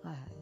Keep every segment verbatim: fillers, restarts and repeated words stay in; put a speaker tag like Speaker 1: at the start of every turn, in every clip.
Speaker 1: ਹਾਏ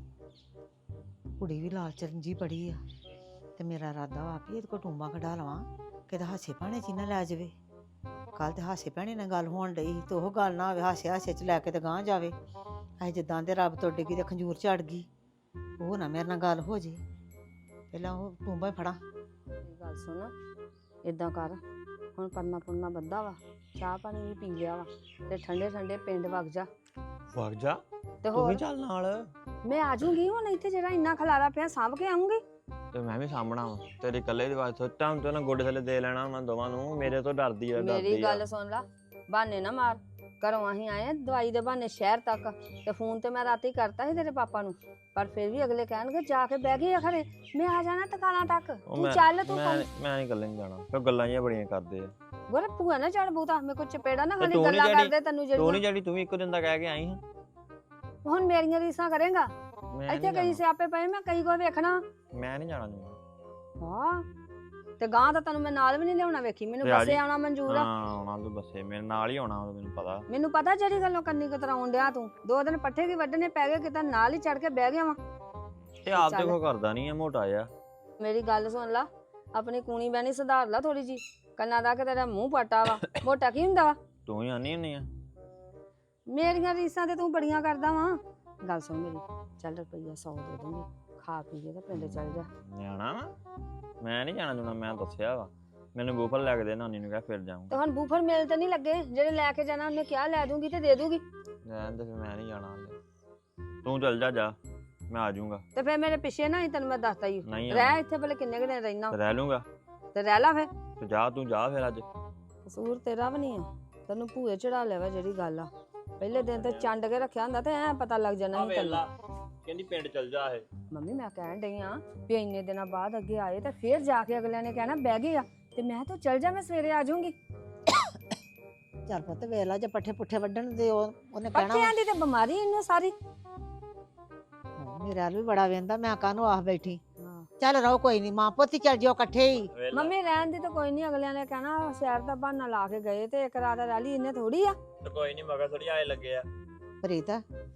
Speaker 1: ਕੁੜੀ ਵੀ ਲਾਲਚਨ ਜੀ ਬੜੀ ਆ ਤੇ ਮੇਰਾ ਇਰਾਦਾ ਵਾ ਵੀ ਇਹਦੇ ਕੋਲ ਟੂੰਬਾਂ ਕਢਾ ਲਵਾਂ ਕਿਤੇ ਹਾਸੇ ਭਾਣੇ ਚ ਹੀ ਨਾ ਲੈ ਜਾਵੇ। ਕੱਲ ਤੇ ਹਾਸੇ ਭੈਣੇ ਨਾਲ ਗੱਲ ਹੋਣ ਡਈ ਤੇ ਉਹ ਗੱਲ ਨਾ ਹੋਵੇ ਹਾਸੇ ਹਾਸੇ ਚ ਲੈ ਕੇ ਤੇ ਗਾਂਹ ਜਾਵੇ। ਅਸੀਂ ਜਿੱਦਾਂ ਦੇ ਰੱਬ ਤੋਂ ਡਿੱਗੀ ਤੇ ਖੰਜੂਰ ਝੜ ਗਈ ਉਹ ਨਾ ਮੇਰੇ ਨਾਲ ਗੱਲ ਹੋ ਜੇ। ਪਹਿਲਾਂ ਉਹ ਟੂੰਬਾਂ ਹੀ ਫੜਾਂ।
Speaker 2: ਇਹ ਗੱਲ ਸੁਣ ਇਦਾਂ ਕਰ ਹੁਣ ਪਰਨਾ ਪੁਰਨਾ ਬੱਧਾ ਵਾ ਚਾਹ ਪਾਣੀ ਵੀ ਪੀ ਲਿਆ ਵਾ ਤੇ ਠੰਡੇ ਠੰਡੇ ਪਿੰਡ ਵਗ ਜਾ।
Speaker 3: ਵਗ ਜਾ
Speaker 2: ਤੇ
Speaker 3: ਤੂੰ ਵੀ
Speaker 2: ਹੋਰ
Speaker 3: ਚੱਲ ਨਾਲ।
Speaker 2: ਮੈਂ ਆ ਜਾਊਂਗੀ ਹੁਣ ਇੱਥੇ ਜਿਹੜਾ ਇੰਨਾ ਖਲਾਰਾ ਪਿਆ ਸਾਂਭ ਕੇ ਆਉਂਗੀ।
Speaker 3: ਤੇ ਮੈਂ ਵੀ ਸਾਹਮਣਾ ਵਾ ਤੇਰੇ ਇਕੱਲੇ ਦੀ ਬਾਤ ਸੋਚਾਂ ਹੁਣ ਤੇ ਨਾ ਗੋਡੇ ਥੱਲੇ ਦੇ ਲੈਣਾ ਉਹਨਾਂ ਦੋਵਾਂ ਨੂੰ। ਮੇਰੇ ਤੋਂ ਡਰਦੀ ਆ ਡਰਦੀ
Speaker 2: ਮੇਰੀ
Speaker 3: ਆ।
Speaker 2: ਗੱਲ ਸੁਣ ਲਾ ਬਹਾਨੇ ਨਾ ਮਾਰ। ਘਰੋਂ ਅਸੀਂ ਆਏ ਆ ਦਵਾਈ ਦੇ ਬਹਾਨੇ ਸ਼ਹਿਰ ਤੱਕ ਤੇ ਫੋਨ ਤੇ ਮੈਂ ਰਾਤੀ ਕਰਤਾ ਸੀ ਤੇਰੇ ਪਾਪਾ ਨੂੰ ਪਰ ਫਿਰ ਵੀ ਅਗਲੇ ਕਹਿਣਗੇ ਜਾ ਕੇ ਬਹਿ ਗਈ ਆ ਖਰੇ ਮੈਂ ਆ ਜਾਣਾ ਟਿਕਾਣਾ ਤੱਕ
Speaker 3: ਉਹ
Speaker 2: ਤੂੰ
Speaker 3: ਮੈਂ
Speaker 2: ਚੱਲ ਤੂੰ
Speaker 3: ਮੈਂ
Speaker 2: ਕੰਮ
Speaker 3: ਮੈਂ ਨਹੀਂ ਇਕੱਲੇ ਨਹੀਂ ਜਾਣਾ ਕਿਉਂ ਗੱਲਾਂ ਜਿਹੀਆਂ ਬੜੀਆਂ ਕਰਦੇ ਆ।
Speaker 2: ਗੋਰੇ ਭੂਆ ਨਾ ਚੜ ਬੂਤਾ ਮੇਰੇ ਕੋਲ ਚਪੇੜਾ ਨਾ
Speaker 3: ਤੇ
Speaker 2: ਖਾਲੀ
Speaker 3: ਤੂੰ ਨੀ
Speaker 2: ਗੱਲਾਂ
Speaker 3: ਜਿਹੜੀ-
Speaker 2: ਕਰਦੇ ਤੈਨੂੰ
Speaker 3: ਤੂੰ
Speaker 2: ਜਿਹੜੀਆਂ
Speaker 3: ਨਹੀਂ ਜਿਹੜੀ ਤੂੰ ਵੀ ਇੱਕੋ ਦਿਨ ਦਾ ਕਹਿ ਕੇ ਆਈ ਹੈ।
Speaker 2: ਹੁਣ ਮੇਰੀਆਂ ਰੀਸਾਂ ਕਰੇਗਾ
Speaker 3: ਮੈਂ
Speaker 2: ਇੱਥੇ
Speaker 3: ਨਹੀਂ
Speaker 2: ਕਈ
Speaker 3: ਜਾਣਾ
Speaker 2: ਸਿਆਪੇ ਪਏ ਮੈਂ ਕਈ ਕੋ ਵੇਖਣਾ
Speaker 3: ਮੈਂ ਨਹੀਂ ਜਾਣਾ ਤੂੰ।
Speaker 2: ਹਾਂ ਤੇ ਗਾਂ ਤਾਂ ਤੈਨੂੰ ਮੈਂ ਨਾਲ ਵੀ ਨਹੀਂ ਲਿਆਉਣਾ ਵੇਖੀ ਮੈਨੂੰ
Speaker 3: ਤੇ ਆ
Speaker 2: ਬੱਸੇ
Speaker 3: ਜੀ।
Speaker 2: ਆਉਣਾ ਮਨਜ਼ੂਰ ਆ
Speaker 3: ਹਾਂ ਆਉਣਾ ਤੂੰ ਬੱਸੇ ਮੇਰੇ ਨਾਲ ਹੀ ਆਉਣਾ ਉਹ ਮੈਨੂੰ ਪਤਾ।
Speaker 2: ਮੈਨੂੰ ਪਤਾ ਜਿਹੜੀ ਗੱਲੋਂ ਕੰਨੀ ਕਤਰਾਉਣ ਡਿਆ ਤੂੰ ਦੋ ਦਿਨ ਪੱਠੇ ਕੀ ਵੱਢਣੇ ਪੈ ਗਏ ਕਿਤੇ ਨਾਲ ਹੀ ਚੜ ਕੇ ਬਹਿ ਗਿਆ ਵਾ
Speaker 3: ਤੇ ਆਪ
Speaker 2: ਚੱਲ।
Speaker 3: ਦੇਖੋ ਕਰਦਾ ਨਹੀਂ ਆ ਮੋਟਾ ਜਿਹਾ।
Speaker 2: ਮੇਰੀ ਗੱਲ ਸੁਣ ਲਾ ਆਪਣੀ ਕੂਣੀ ਬਹਿਣੀ ਸੁਧਾਰ ਲਾ ਥੋੜੀ ਜੀ ਕੰਨਾਂ ਦਾ ਕਿ ਤੇਰਾ ਮੂੰਹ ਪਾਟਾ ਵਾ ਮੋਟਾ ਕੀ ਹੁੰਦਾ ਵਾ
Speaker 3: ਤੂੰ ਹੀ ਆਨੀ ਹੁੰਨੀ ਆ।
Speaker 2: ਮੇਰੀਆਂ ਰੀਸਾਂ ਤੇ ਤੂੰ ਬੜੀਆਂ ਕਰਦਾ ਵਾ ਗੱਲ ਸੁਣ ਮੇਰੀ ਚੱਲ ਰੁਪਈਆ ਸੌ ਦੇ ਦੂੰਗੀ ਖਾ ਪੀ ਕੇ ਤੇ ਪਿੰਡ ਚੱਲ ਜਾ
Speaker 3: ਜਾਣਾ ਵਾ ਮੈਂ ਨਹੀਂ ਜਾਣਾ ਜੁਣਾ ਮੈਂ ਦੱਸਿਆ ਵਾ ਮੈਨੂੰ ਬੂਫਲ ਲੈ ਕੇ ਦੇ ਨਾਨੀ ਨੂੰ ਕਹਿ ਫਿਰ
Speaker 2: ਤੇ
Speaker 3: ਜਾਊਂਗਾ।
Speaker 2: ਹੁਣ ਬੂਫਰ ਮਿਲ ਤੇ ਨਹੀਂ ਲੱਗੇ ਜਿਹੜੇ ਲੈ ਕੇ ਜਾਣਾ ਉਹਨੇ ਕਿਹਾ ਲੈ ਦੂੰਗੀ ਤੇ ਦੇ ਦੂਗੀ
Speaker 3: ਰਹਿਣ ਦੇ ਫਿਰ ਮੈਂ ਨਹੀਂ ਜਾਣਾ ਹਾਲੇ। ਤੂੰ ਚੱਲ ਜਾ ਜਾ ਮੈਂ ਆ ਜਾਊਂਗਾ।
Speaker 2: ਤੇ ਫਿਰ ਮੇਰੇ ਪਿੱਛੇ ਨਾ ਹੀ ਤੈਨੂੰ ਮੈਂ ਦੱਸਤਾ ਹੀ
Speaker 3: ਨਹੀਂ
Speaker 2: ਰਹਿ
Speaker 3: ਆਉਣਾ।
Speaker 2: ਇੱਥੇ ਭਲੇ ਕਿੰਨੇ ਕੁ ਦਿਨ ਰਹਿਣਾ
Speaker 3: ਤੇ ਰਹਿ ਲੂੰਗਾ
Speaker 2: ਤੇ ਰਹਿ ਲਾ ਫਿਰ
Speaker 3: ਤੇ ਜਾ ਤੂੰ ਜਾ ਫਿਰ ਅੱਜ।
Speaker 2: ਕਸੂਰ ਤੇਰਾ ਵੀ ਨਹੀਂ ਆ ਤੈਨੂੰ ਭੂਏ ਚੜਾ ਲਿਆ ਵਾ ਜਿਹੜੀ ਗੱਲ ਆ ਪਹਿਲੇ ਦਿਨ ਤੇ ਚੰਡ ਕੇ ਰੱਖਿਆ ਹੁੰਦਾ ਤੇ ਐ ਪਤਾ ਲੱਗ ਜਾਣਾ ਸੀ ਤੈਨੂੰ।
Speaker 3: ਕਹਿੰਦੀ ਪਿੰਡ ਚੱਲ ਜਾ ਇਹ।
Speaker 2: ਮੰਮੀ ਮੈਂ ਕਹਿਣ ਡਈ ਆ ਵੀ ਇੰਨੇ ਦਿਨਾਂ ਬਾਅਦ ਅੱਗੇ ਆਏ ਤੇ ਫੇਰ ਜਾ ਕੇ ਅਗਲਿਆਂ ਨੇ ਕਹਿਣਾ ਬਹਿ ਗਏ ਆ ਤੇ ਮੈਂ ਤਾਂ ਚੱਲ ਜਾ ਮੈਂ ਸਵੇਰੇ ਆ ਜਾਊਂਗੀ।
Speaker 1: ਚੱਲ ਪੁੱਤ ਵੇਖ ਲਾ ਜੇ ਪੱਠੇ ਪੁੱਠੇ ਵੱਢਣ ਦੇ ਉਹ ਉਹਨੇ ਕਹਿਣਾ
Speaker 2: ਪੱਠਿਆਂ ਦੀ ਤੇ ਬਿਮਾਰੀ ਇਹਨੂੰ ਸਾਰੀ
Speaker 1: ਵਾ, ਮੇਰੇ ਹਾਲ ਵੀ ਬੜਾ ਵੇਂਦਾ ਮੈਂ ਕਾਹਨੂੰ ਆਖ ਬੈਠੀ। ਚੱਲ ਰਹੋ ਕੋਈ ਨਹੀਂ ਮਾਂ ਪੁੱਤ ਹੀ ਚੱਲ ਜਿਓ ਇਕੱਠੇ ਹੀ।
Speaker 2: ਮੰਮੀ ਰਹਿਣ ਦੀ ਤਾਂ ਕੋਈ ਨਹੀਂ ਅਗਲਿਆਂ ਨੇ ਕਹਿਣਾ ਸ਼ਹਿਰ ਦਾ ਬਹਾਨਾ ਲਾ ਕੇ ਗਏ ਤੇ ਇੱਕ ਰਾਤ ਰਹਿ ਲਈ ਇਹਨੇ ਥੋੜੀ ਆ
Speaker 3: ਤੇ ਕੋਈ ਨਹੀਂ ਮਗਰ ਥੋੜੀ ਆਏ ਲੱਗੇ ਆ।
Speaker 1: ਪ੍ਰੀਤ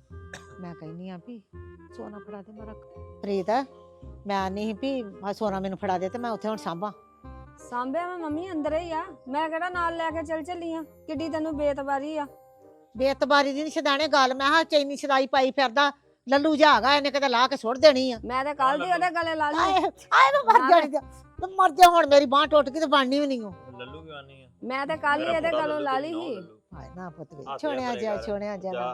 Speaker 1: ਮੈਂ ਕਹਿੰਨੀ ਆ ਵੀ ਸੋਨਾ ਫੜਾ ਦੇ ਮੇਰਾ। ਪ੍ਰੀਤ ਮੈਂ ਨਹੀਂ ਵੀ ਆਹ ਸੋਨਾ ਮੈਨੂੰ ਫੜਾ ਦੇ ਤੇ ਮੈਂ ਉੱਥੇ ਹੁਣ ਸਾਂਭਾਂ।
Speaker 2: ਸਾਂਭਿਆ ਮੈਂ ਮੰਮੀ ਅੰਦਰ ਹੀ ਆ ਮੈਂ ਕਿਹੜਾ ਨਾਲ ਲੈ ਕੇ ਚੱਲ ਚੱਲੀ ਆ ਕਿੱਡੀ ਤੈਨੂੰ ਬੇਤਬਾਰੀ ਆ
Speaker 1: ਬੇਤਬਾਰੀ ਦੀ ਨੀ ਛਦਾਣੇ ਗੱਲ ਮੈਂ ਹਾਂ ਚੈਨੀ ਛਦਾਈ ਪਾਈ ਫਿਰਦਾ ਲੱਲੂ ਜਾ ਹੈਗਾ ਇਹਨੇ ਕਿਤੇ ਲਾ ਕੇ ਸੁੱਟ ਦੇਣੀ ਆ।
Speaker 2: ਮੈਂ ਤੇ ਕੱਲ ਦੀ ਉਹਦੇ ਗਲੇ ਲਾ ਲਈ
Speaker 1: ਆਏ ਆਏ ਮੈਂ ਮਰ ਜਾਣੀ ਤੇ ਤੂੰ ਮਰ ਜਾ ਹੁਣ ਮੇਰੀ ਬਾਂਹ ਟੁੱਟ ਗਈ ਤੇ ਬਣਨੀ ਵੀ ਨਹੀਂ ਉਹ।
Speaker 3: ਲੱਲੂ ਕਿਉਂ ਆਨੀ ਆ।
Speaker 2: ਮੈਂ ਤੇ ਕੱਲ ਹੀ ਇਹਦੇ ਗਲੋਂ ਲਾ ਲਈ ਸੀ
Speaker 1: ਹਾਏ ਨਾ ਪੁੱਤ ਵੇ
Speaker 3: ਹੱਥ
Speaker 1: ਛੋਣਿਆ
Speaker 3: ਪਰੇ
Speaker 1: ਜਾ
Speaker 3: ਕਰ।
Speaker 1: ਛੋਣਿਆ ਜਾ
Speaker 3: ਜਾ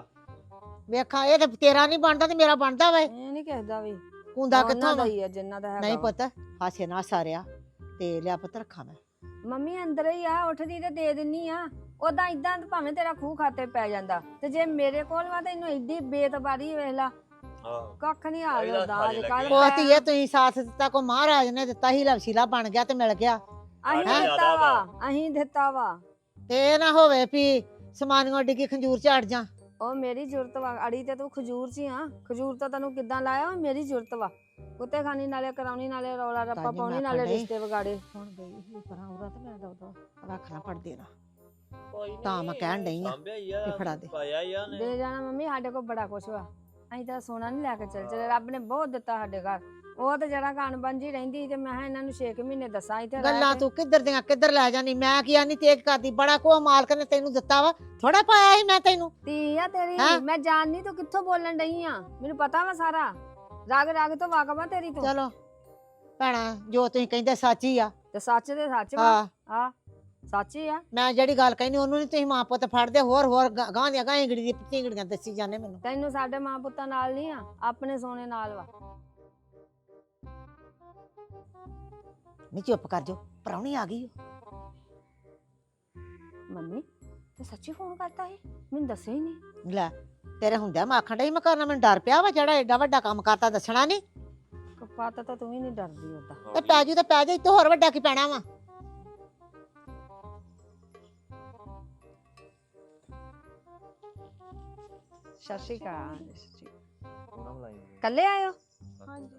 Speaker 1: ਵੇਖਾਂ ਇਹ ਤੇ ਤੇਰਾ ਨਹੀਂ ਬਣਦਾ ਤੇ ਮੇਰਾ ਬਣਦਾ ਵਾ।
Speaker 2: ਇਹ ਨਹੀਂ ਕਿਸਦਾ ਵੀ
Speaker 1: ਕੁੰਦਾ
Speaker 2: ਉਹਨਾਂ
Speaker 1: ਕਿੱਥੋਂ
Speaker 2: ਦਾ
Speaker 1: ਵਾ?
Speaker 2: ਹੀ ਆ ਜਿੰਨਾ ਦਾ ਹੈਗਾ
Speaker 1: ਨਹੀਂ
Speaker 2: ਵਾ।
Speaker 1: ਪੁੱਤ ਹਾਸੇ ਨਾ ਸਾਰਿਆ ਤੇ ਲਿਆ ਪੁੱਤ ਰੱਖਾਂ ਮੈਂ।
Speaker 2: ਮੰਮੀ ਅੰਦਰ ਹੀ ਆ ਉੱਠਦੀ ਤੇ ਦੇ ਦਿੰਨੀ ਆ ਉਦਾਂ ਇਦਾਂ ਭਾਵੇਂ ਤੇਰਾ ਖੂਹ ਖਾਤੇ ਪੈ ਜਾਂਦਾ ਤੇ ਜੇ ਮੇਰੇ ਕੋਲ ਵਾ ਤੈਨੂੰ ਐਡੀ ਬੇਤਬਾਰੀ ਵੇਖ ਲਾ
Speaker 3: ਆਹੋ
Speaker 2: ਕੱਖ ਨਹੀਂ ਹਾਲ
Speaker 3: ਇਹਦਾ
Speaker 2: ਹੁੰਦਾ ਅੱਜ
Speaker 3: ਖਾਲੀ
Speaker 2: ਕੱਲ
Speaker 3: ਲੱਗੇ।
Speaker 1: ਉਹ ਧੀਏ ਤੁਸੀਂ ਸਾਥ ਦਿੱਤਾ ਕੋ ਮਹਾਰਾਜ ਨੇ ਦਿੱਤਾ ਹੀ ਲਵਸ਼ੀਲਾ ਬਣ ਗਿਆ ਤੇ ਮਿਲ ਗਿਆ
Speaker 2: ਅਹੀਂ
Speaker 3: ਹੈਂ?
Speaker 2: ਦਿੱਤਾ ਵਾ ਅਹੀਂ ਦਿੱਤਾ ਵਾ
Speaker 1: ਤੇ ਇਹ ਨਾ ਹੋਵੇ ਵੀ ਸਮਾਨੀਆਂ ਡਿੱਗੀ ਖੰਜੂਰ ਝਾੜ ਜਾ।
Speaker 2: ਉਹ ਮੇਰੀ ਜ਼ਰੂਰਤ ਵਾ ਅੜੀ ਤੇ ਤੂੰ ਖਜੂਰ ਚ ਹੀ ਆ ਖਜੂਰ ਤਾਂ ਤੈਨੂੰ ਕਿੱਦਾਂ ਲਾਇਆ ਉਹ ਮੇਰੀ ਜ਼ਰੂਰਤ ਵਾ ਕੁੱਤੇ ਖਾਣੀ ਨਾਲੇ ਕਰਾਉਣੀ ਨਾਲੇ ਰੌਲਾ ਰੱਪਾ
Speaker 1: ਤਾਂਹੀਓ
Speaker 2: ਪਾਉਣੀ
Speaker 1: ਮੈਂ
Speaker 2: ਨਾਲੇ
Speaker 1: ਆਖਣ ਡਈ।
Speaker 2: ਰਿਸ਼ਤੇ ਵਿਗਾੜੇ
Speaker 1: ਹੁਣ ਗਈ ਸੀ ਪਰਾਂ ਉਰਾ ਤੇ ਮੈਂ ਦਉਦਾ ਰੱਖਣਾ ਪੜ ਦੇਣਾ
Speaker 3: ਕੋਈ ਨੀ,
Speaker 1: ਤਾਂ ਮੈਂ ਕਹਿਣ ਡਈ ਆ
Speaker 3: ਸਾਂਭਿਆ ਹੀ ਆ
Speaker 1: ਵੀ ਫੜਾ ਦੇ।
Speaker 3: ਪਾਇਆ ਹੀ ਆ ਉਹਨੇ।
Speaker 2: ਦੇ ਜਾਣਾ ਮੰਮੀ ਸਾਡੇ ਕੋਲ ਬੜਾ ਕੁਛ ਵਾ ਅਸੀਂ ਤਾਂ ਸੋਨਾ ਨਹੀਂ ਲੈ ਕੇ ਚੱਲ ਚਲੇ ਰੱਬ ਨੇ ਬਹੁਤ ਦਿੱਤਾ ਸਾਡੇ ਘਰ ਉਹ ਤੇ ਜਿਹੜਾ ਕਾਣ ਬੰਜੀ ਰਹਿੰਦੀ ਸੀ ਤੇ ਮੈਂ ਕਿਹਾ ਇਹਨਾਂ ਨੂੰ ਛੇ ਕੁ ਮਹੀਨੇ ਦੱਸਾਂ ਇੱਥੇ ਰਹਿ
Speaker 1: ਗੱਲਾਂ
Speaker 2: ਕੇ।
Speaker 1: ਤੂੰ ਕਿੱਧਰ ਦੀਆਂ ਕਿੱਧਰ ਲੈ ਜਾਨੀ ਮੈਂ ਕੀ ਆਨੀ ਤੇਜ ਕਰਦੀ ਬੜਾ ਕੋ ਮਾਲਕ ਨੇ ਤੈਨੂੰ ਦਿੱਤਾ ਵਾ ਥੋੜਾ ਪਾਇਆ ਸੀ ਮੈਂ ਤੈਨੂੰ।
Speaker 2: ਧੀ ਆ ਤੇਰੀ
Speaker 1: ਹੈਂ?
Speaker 2: ਮੈਂ ਜਾਣਨੀ ਤੂੰ ਕਿੱਥੋਂ ਬੋਲਣ ਡਈ ਆ ਮੈਨੂੰ ਪਤਾ ਵਾ ਸਾਰਾ ਰਾਗ ਰਾਗ ਤੋਂ ਵਾਕਫ ਆ ਤੇਰੀ ਤੂੰ
Speaker 1: ਚਲੋ ਭੈਣਾ ਜੋ ਤੁਸੀਂ ਕਹਿੰਦੇ ਸੱਚ ਹੀ ਆ।
Speaker 2: ਤੇ ਸੱਚ ਦੇ ਸੱਚ ਵਾ
Speaker 1: ਹਾਂ
Speaker 2: ਆ ਸੱਚ ਹੀ ਆ
Speaker 1: ਮੈਂ ਜਿਹੜੀ ਗੱਲ ਕਹਿੰਦੀ ਉਹਨੂੰ ਨਹੀਂ ਤੁਸੀਂ ਮਾਂ ਪੁੱਤ ਫੜਦੇ ਹੋਰ ਹੋਰ ਗਾਂ ਗਾਂ ਦੀਆਂ ਗਾਂ ਇੰਗੜੀ ਦੀ ਪਿੰਗੜੀਆਂ ਦੱਸੀ ਜਾਂਦੇ ਮੈਨੂੰ।
Speaker 2: ਤੈਨੂੰ ਸਾਡੇ ਮਾਂ ਪੁੱਤਾਂ ਨਾਲ ਨਹੀਂ ਆ ਆਪਣੇ ਸੋਨੇ ਨਾਲ ਵਾ
Speaker 1: ਨਹੀਂ ਚੁੱਪ ਕਰ ਜੋ ਪ੍ਰਾਹੁਣੀ ਆ ਗਈ ਓ।
Speaker 2: ਮੰਮੀ ਤੇ ਸੱਚੀ ਫੋਨ ਕਰਤਾ ਸੀ ਮੈਨੂੰ ਦੱਸਿਆ ਹੀ ਨਹੀਂ
Speaker 1: ਲੈ ਤੇਰੇ ਹੁੰਦਿਆ ਮੈਂ ਆਖਣ ਡਈ ਮੈਂ ਕਰਨਾ ਮੈਨੂੰ ਡਰ ਪਿਆ ਵਾ ਜਿਹੜਾ ਐਡਾ ਵੱਡਾ ਕੰਮ ਕਰਤਾ ਦੱਸਣਾ ਨਹੀਂ।
Speaker 2: ਕਪਾਤਾ ਤਾਂ ਤੂੰ ਵੀ ਨਹੀਂ ਡਰਦੀ ਉਹਦਾ
Speaker 1: ਤੇ ਪੈ ਜੂ ਤੇ ਪੈ ਜਾ ਇੱਥੇ ਹੋਰ ਵੱਡਾ ਕੀ ਪੈਣਾ ਵਾ।
Speaker 2: ਸਤਿ ਸ਼੍ਰੀ ਅਕਾਲ
Speaker 3: ਉਹਨਾਂ ਬੁਲਾਈ
Speaker 2: ਕੱਲੇ ਆਇਓ
Speaker 3: ਹਾਂਜੀ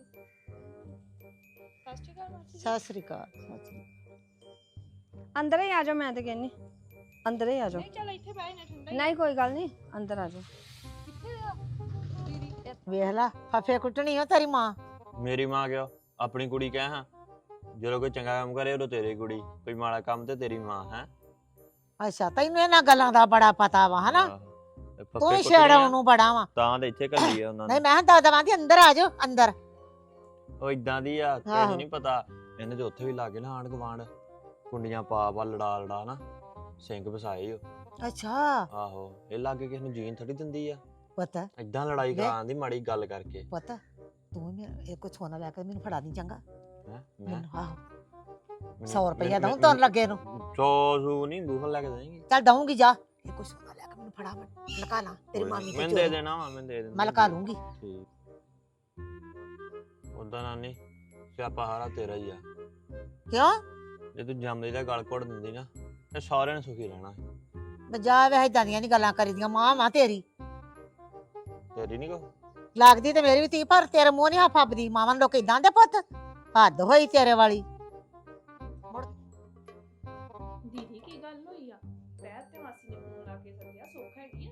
Speaker 1: ਸਤਿ ਸ੍ਰੀ ਅਕਾਲ ਸਤਿ ਸ੍ਰੀ ਅਕਾਲ।
Speaker 2: ਅੰਦਰ ਹੀ ਆ ਜਾਓ ਮੈਂ ਤੇ ਕਹਿੰਨੀ ਅੰਦਰ ਹੀ ਆ ਜਾਓ
Speaker 4: ਨਹੀਂ ਚੱਲ ਇੱਥੇ ਬਹਿ ਨਾ ਠੰਡਾ
Speaker 2: ਨਹੀਂ ਕੋਈ ਗੱਲ ਨਹੀਂ ਅੰਦਰ ਆ ਜਾਓ
Speaker 4: ਕਿੱਥੇ ਆ ਦੀਦੀ
Speaker 1: ਵੇਖ ਲਾ ਫਫੇ ਕੁੱਟਣੀ ਓ ਤੇਰੀ ਮਾਂ।
Speaker 3: ਮੇਰੀ ਮਾਂ ਕਿਉਂ? ਆਪਣੀ ਕੁੜੀ ਕਹਿ ਹਾਂ, ਜਦੋਂ ਕੋਈ ਚੰਗਾ ਕੰਮ ਕਰੇ ਉਦੋਂ ਤੇਰੀ ਕੁੜੀ, ਕੋਈ ਮਾੜਾ ਕੰਮ ਤੇ ਤੇਰੀ ਮਾਂ ਹੈ।
Speaker 1: ਅੱਛਾ ਤੈਨੂੰ ਇਹਨਾਂ ਗੱਲਾਂ ਦਾ ਬੜਾ ਪਤਾ ਵਾ ਹਨਾ, ਤੂੰ ਹੀ ਛੇੜਾਉਣ ਨੂੰ ਬੜਾ ਵਾ।
Speaker 3: ਤਾਂ ਤੇ ਇੱਥੇ ਘੱਲੀ ਆ ਉਹਨਾਂ
Speaker 1: ਨਹੀਂ
Speaker 3: ਨੇ।
Speaker 1: ਮੈਂ ਕਿਹਾ ਦਵਾਂ ਦੀ ਅੰਦਰ ਆ ਜਾਓ ਅੰਦਰ।
Speaker 3: ਉਹ ਇਦਾਂ ਦੀ ਆ,
Speaker 1: ਆਹੋ।
Speaker 3: ਤੈਨੂੰ ਨਹੀਂ ਪਤਾ ਇਹਨੇ ਤੇ ਉੱਥੇ ਵੀ ਲਾਗੇ ਨਾ ਆਂਢ ਗੁਆਂਢ ਕੁੰਡੀਆਂ ਪਾ ਪਾ ਲੜਾ ਲੜਾ ਨਾ ਸਿੰਘ ਵਸਾਏ ਓ।
Speaker 1: ਅੱਛਾ
Speaker 3: ਆਹੋ, ਇਹ ਲਾਗੇ ਕਿਸ ਨੂੰ ਜੀਣ ਥੋੜੀ ਦਿੰਦੀ ਆ,
Speaker 1: ਪਤਾ
Speaker 3: ਏਦਾਂ ਲੜਾਈ
Speaker 1: ਵੇ-
Speaker 3: ਕਰਾਉਣ ਦੀ ਮਾੜੀ ਗੱਲ ਕਰਕੇ।
Speaker 1: ਪਤਾ ਤੂੰ ਮੇਰਾ ਇਹ ਕੋ ਸੋਨਾ ਲੈ ਕੇ ਮੈਨੂੰ ਫੜਾ ਦੀ ਚੰਗਾ।
Speaker 3: ਹੈਂ? ਮੈਂ
Speaker 1: ਮੈਨੂੰ ਆਹੋ
Speaker 3: ਮੈਨੂੰ-
Speaker 1: ਸੌ ਰੁਪਇਆ
Speaker 3: ਮੈਨੂੰ-
Speaker 1: ਦਊਂ ਤੁਰਨ ਲੱਗੇ ਨੂੰ।
Speaker 3: ਸੌ ਸੂ ਨਹੀਂ ਬੂਫਲ ਲੈ ਕੇ ਦੇਂਗੀ।
Speaker 1: ਚੱਲ ਦਊਂਗੀ ਜਾ, ਇਹ ਕੋ ਸੋਨਾ ਲੈ ਕੇ ਮੈਨੂੰ ਫੜਾ ਮੈਂ ਲਕਾ ਲਾ ਤੇਰੀ ਮਾਮੀ ਤੇ
Speaker 3: ਮੈਂ ਦੇ
Speaker 1: ਚੋਰੀ।
Speaker 3: ਦੇਣਾ ਵਾ, ਮੈਂ ਦੇ ਦੇਣਾ।
Speaker 1: ਮੈਂ ਲਕਾ ਲੂੰਗੀ।
Speaker 3: ਠੀਕ। ਉਦਾਂ ਨਾਨੀ ਸਿਆਪਾ ਹਾਰਾ ਤੇਰਾ ਹੀ ਆ।
Speaker 1: ਕਿਉਂ
Speaker 3: ਜੇ ਤੂੰ ਜੰਮਦੀ ਦਾ ਗਲ ਘੋੜ ਦਿੰਦੀ ਨਾ ਤੇ ਸਾਰਿਆਂ ਨੇ ਸੁਖੀ ਰਹਿਣਾ ਸੀ।
Speaker 1: ਬਜਾ ਵੇ ਇਦਾਂ ਦੀਆਂ ਨਹੀਂ ਗੱਲਾਂ ਕਰੀਦੀਆਂ। ਮਾਂ ਮਾਂ ਤੇਰੀ
Speaker 3: ਤੇਰੀ ਨਹੀਂ ਕੋ
Speaker 1: ਲੱਗਦੀ ਤੇ ਮੇਰੀ ਵੀ ਧੀ, ਪਰ ਤੇਰੇ ਮੂੰਹ ਨਹੀਂ ਫੱਬਦੀ। ਮਾਵਾਂ ਨੂੰ ਲੋਕ ਇਦਾਂ ਦੇ ਪੁੱਤ, ਹੱਦ ਹੋਈ ਤੇਰੇ ਵਾਲੀ।
Speaker 4: ਦੀਦੀ ਕੀ ਗੱਲ ਹੋਈ ਆ? ਪੈਰ ਤੇ ਮਾਸੀ ਨੇ ਫੋਨ ਲਾ ਕੇ ਸੱਦਿਆ, ਸੁੱਖ ਹੈਗੀ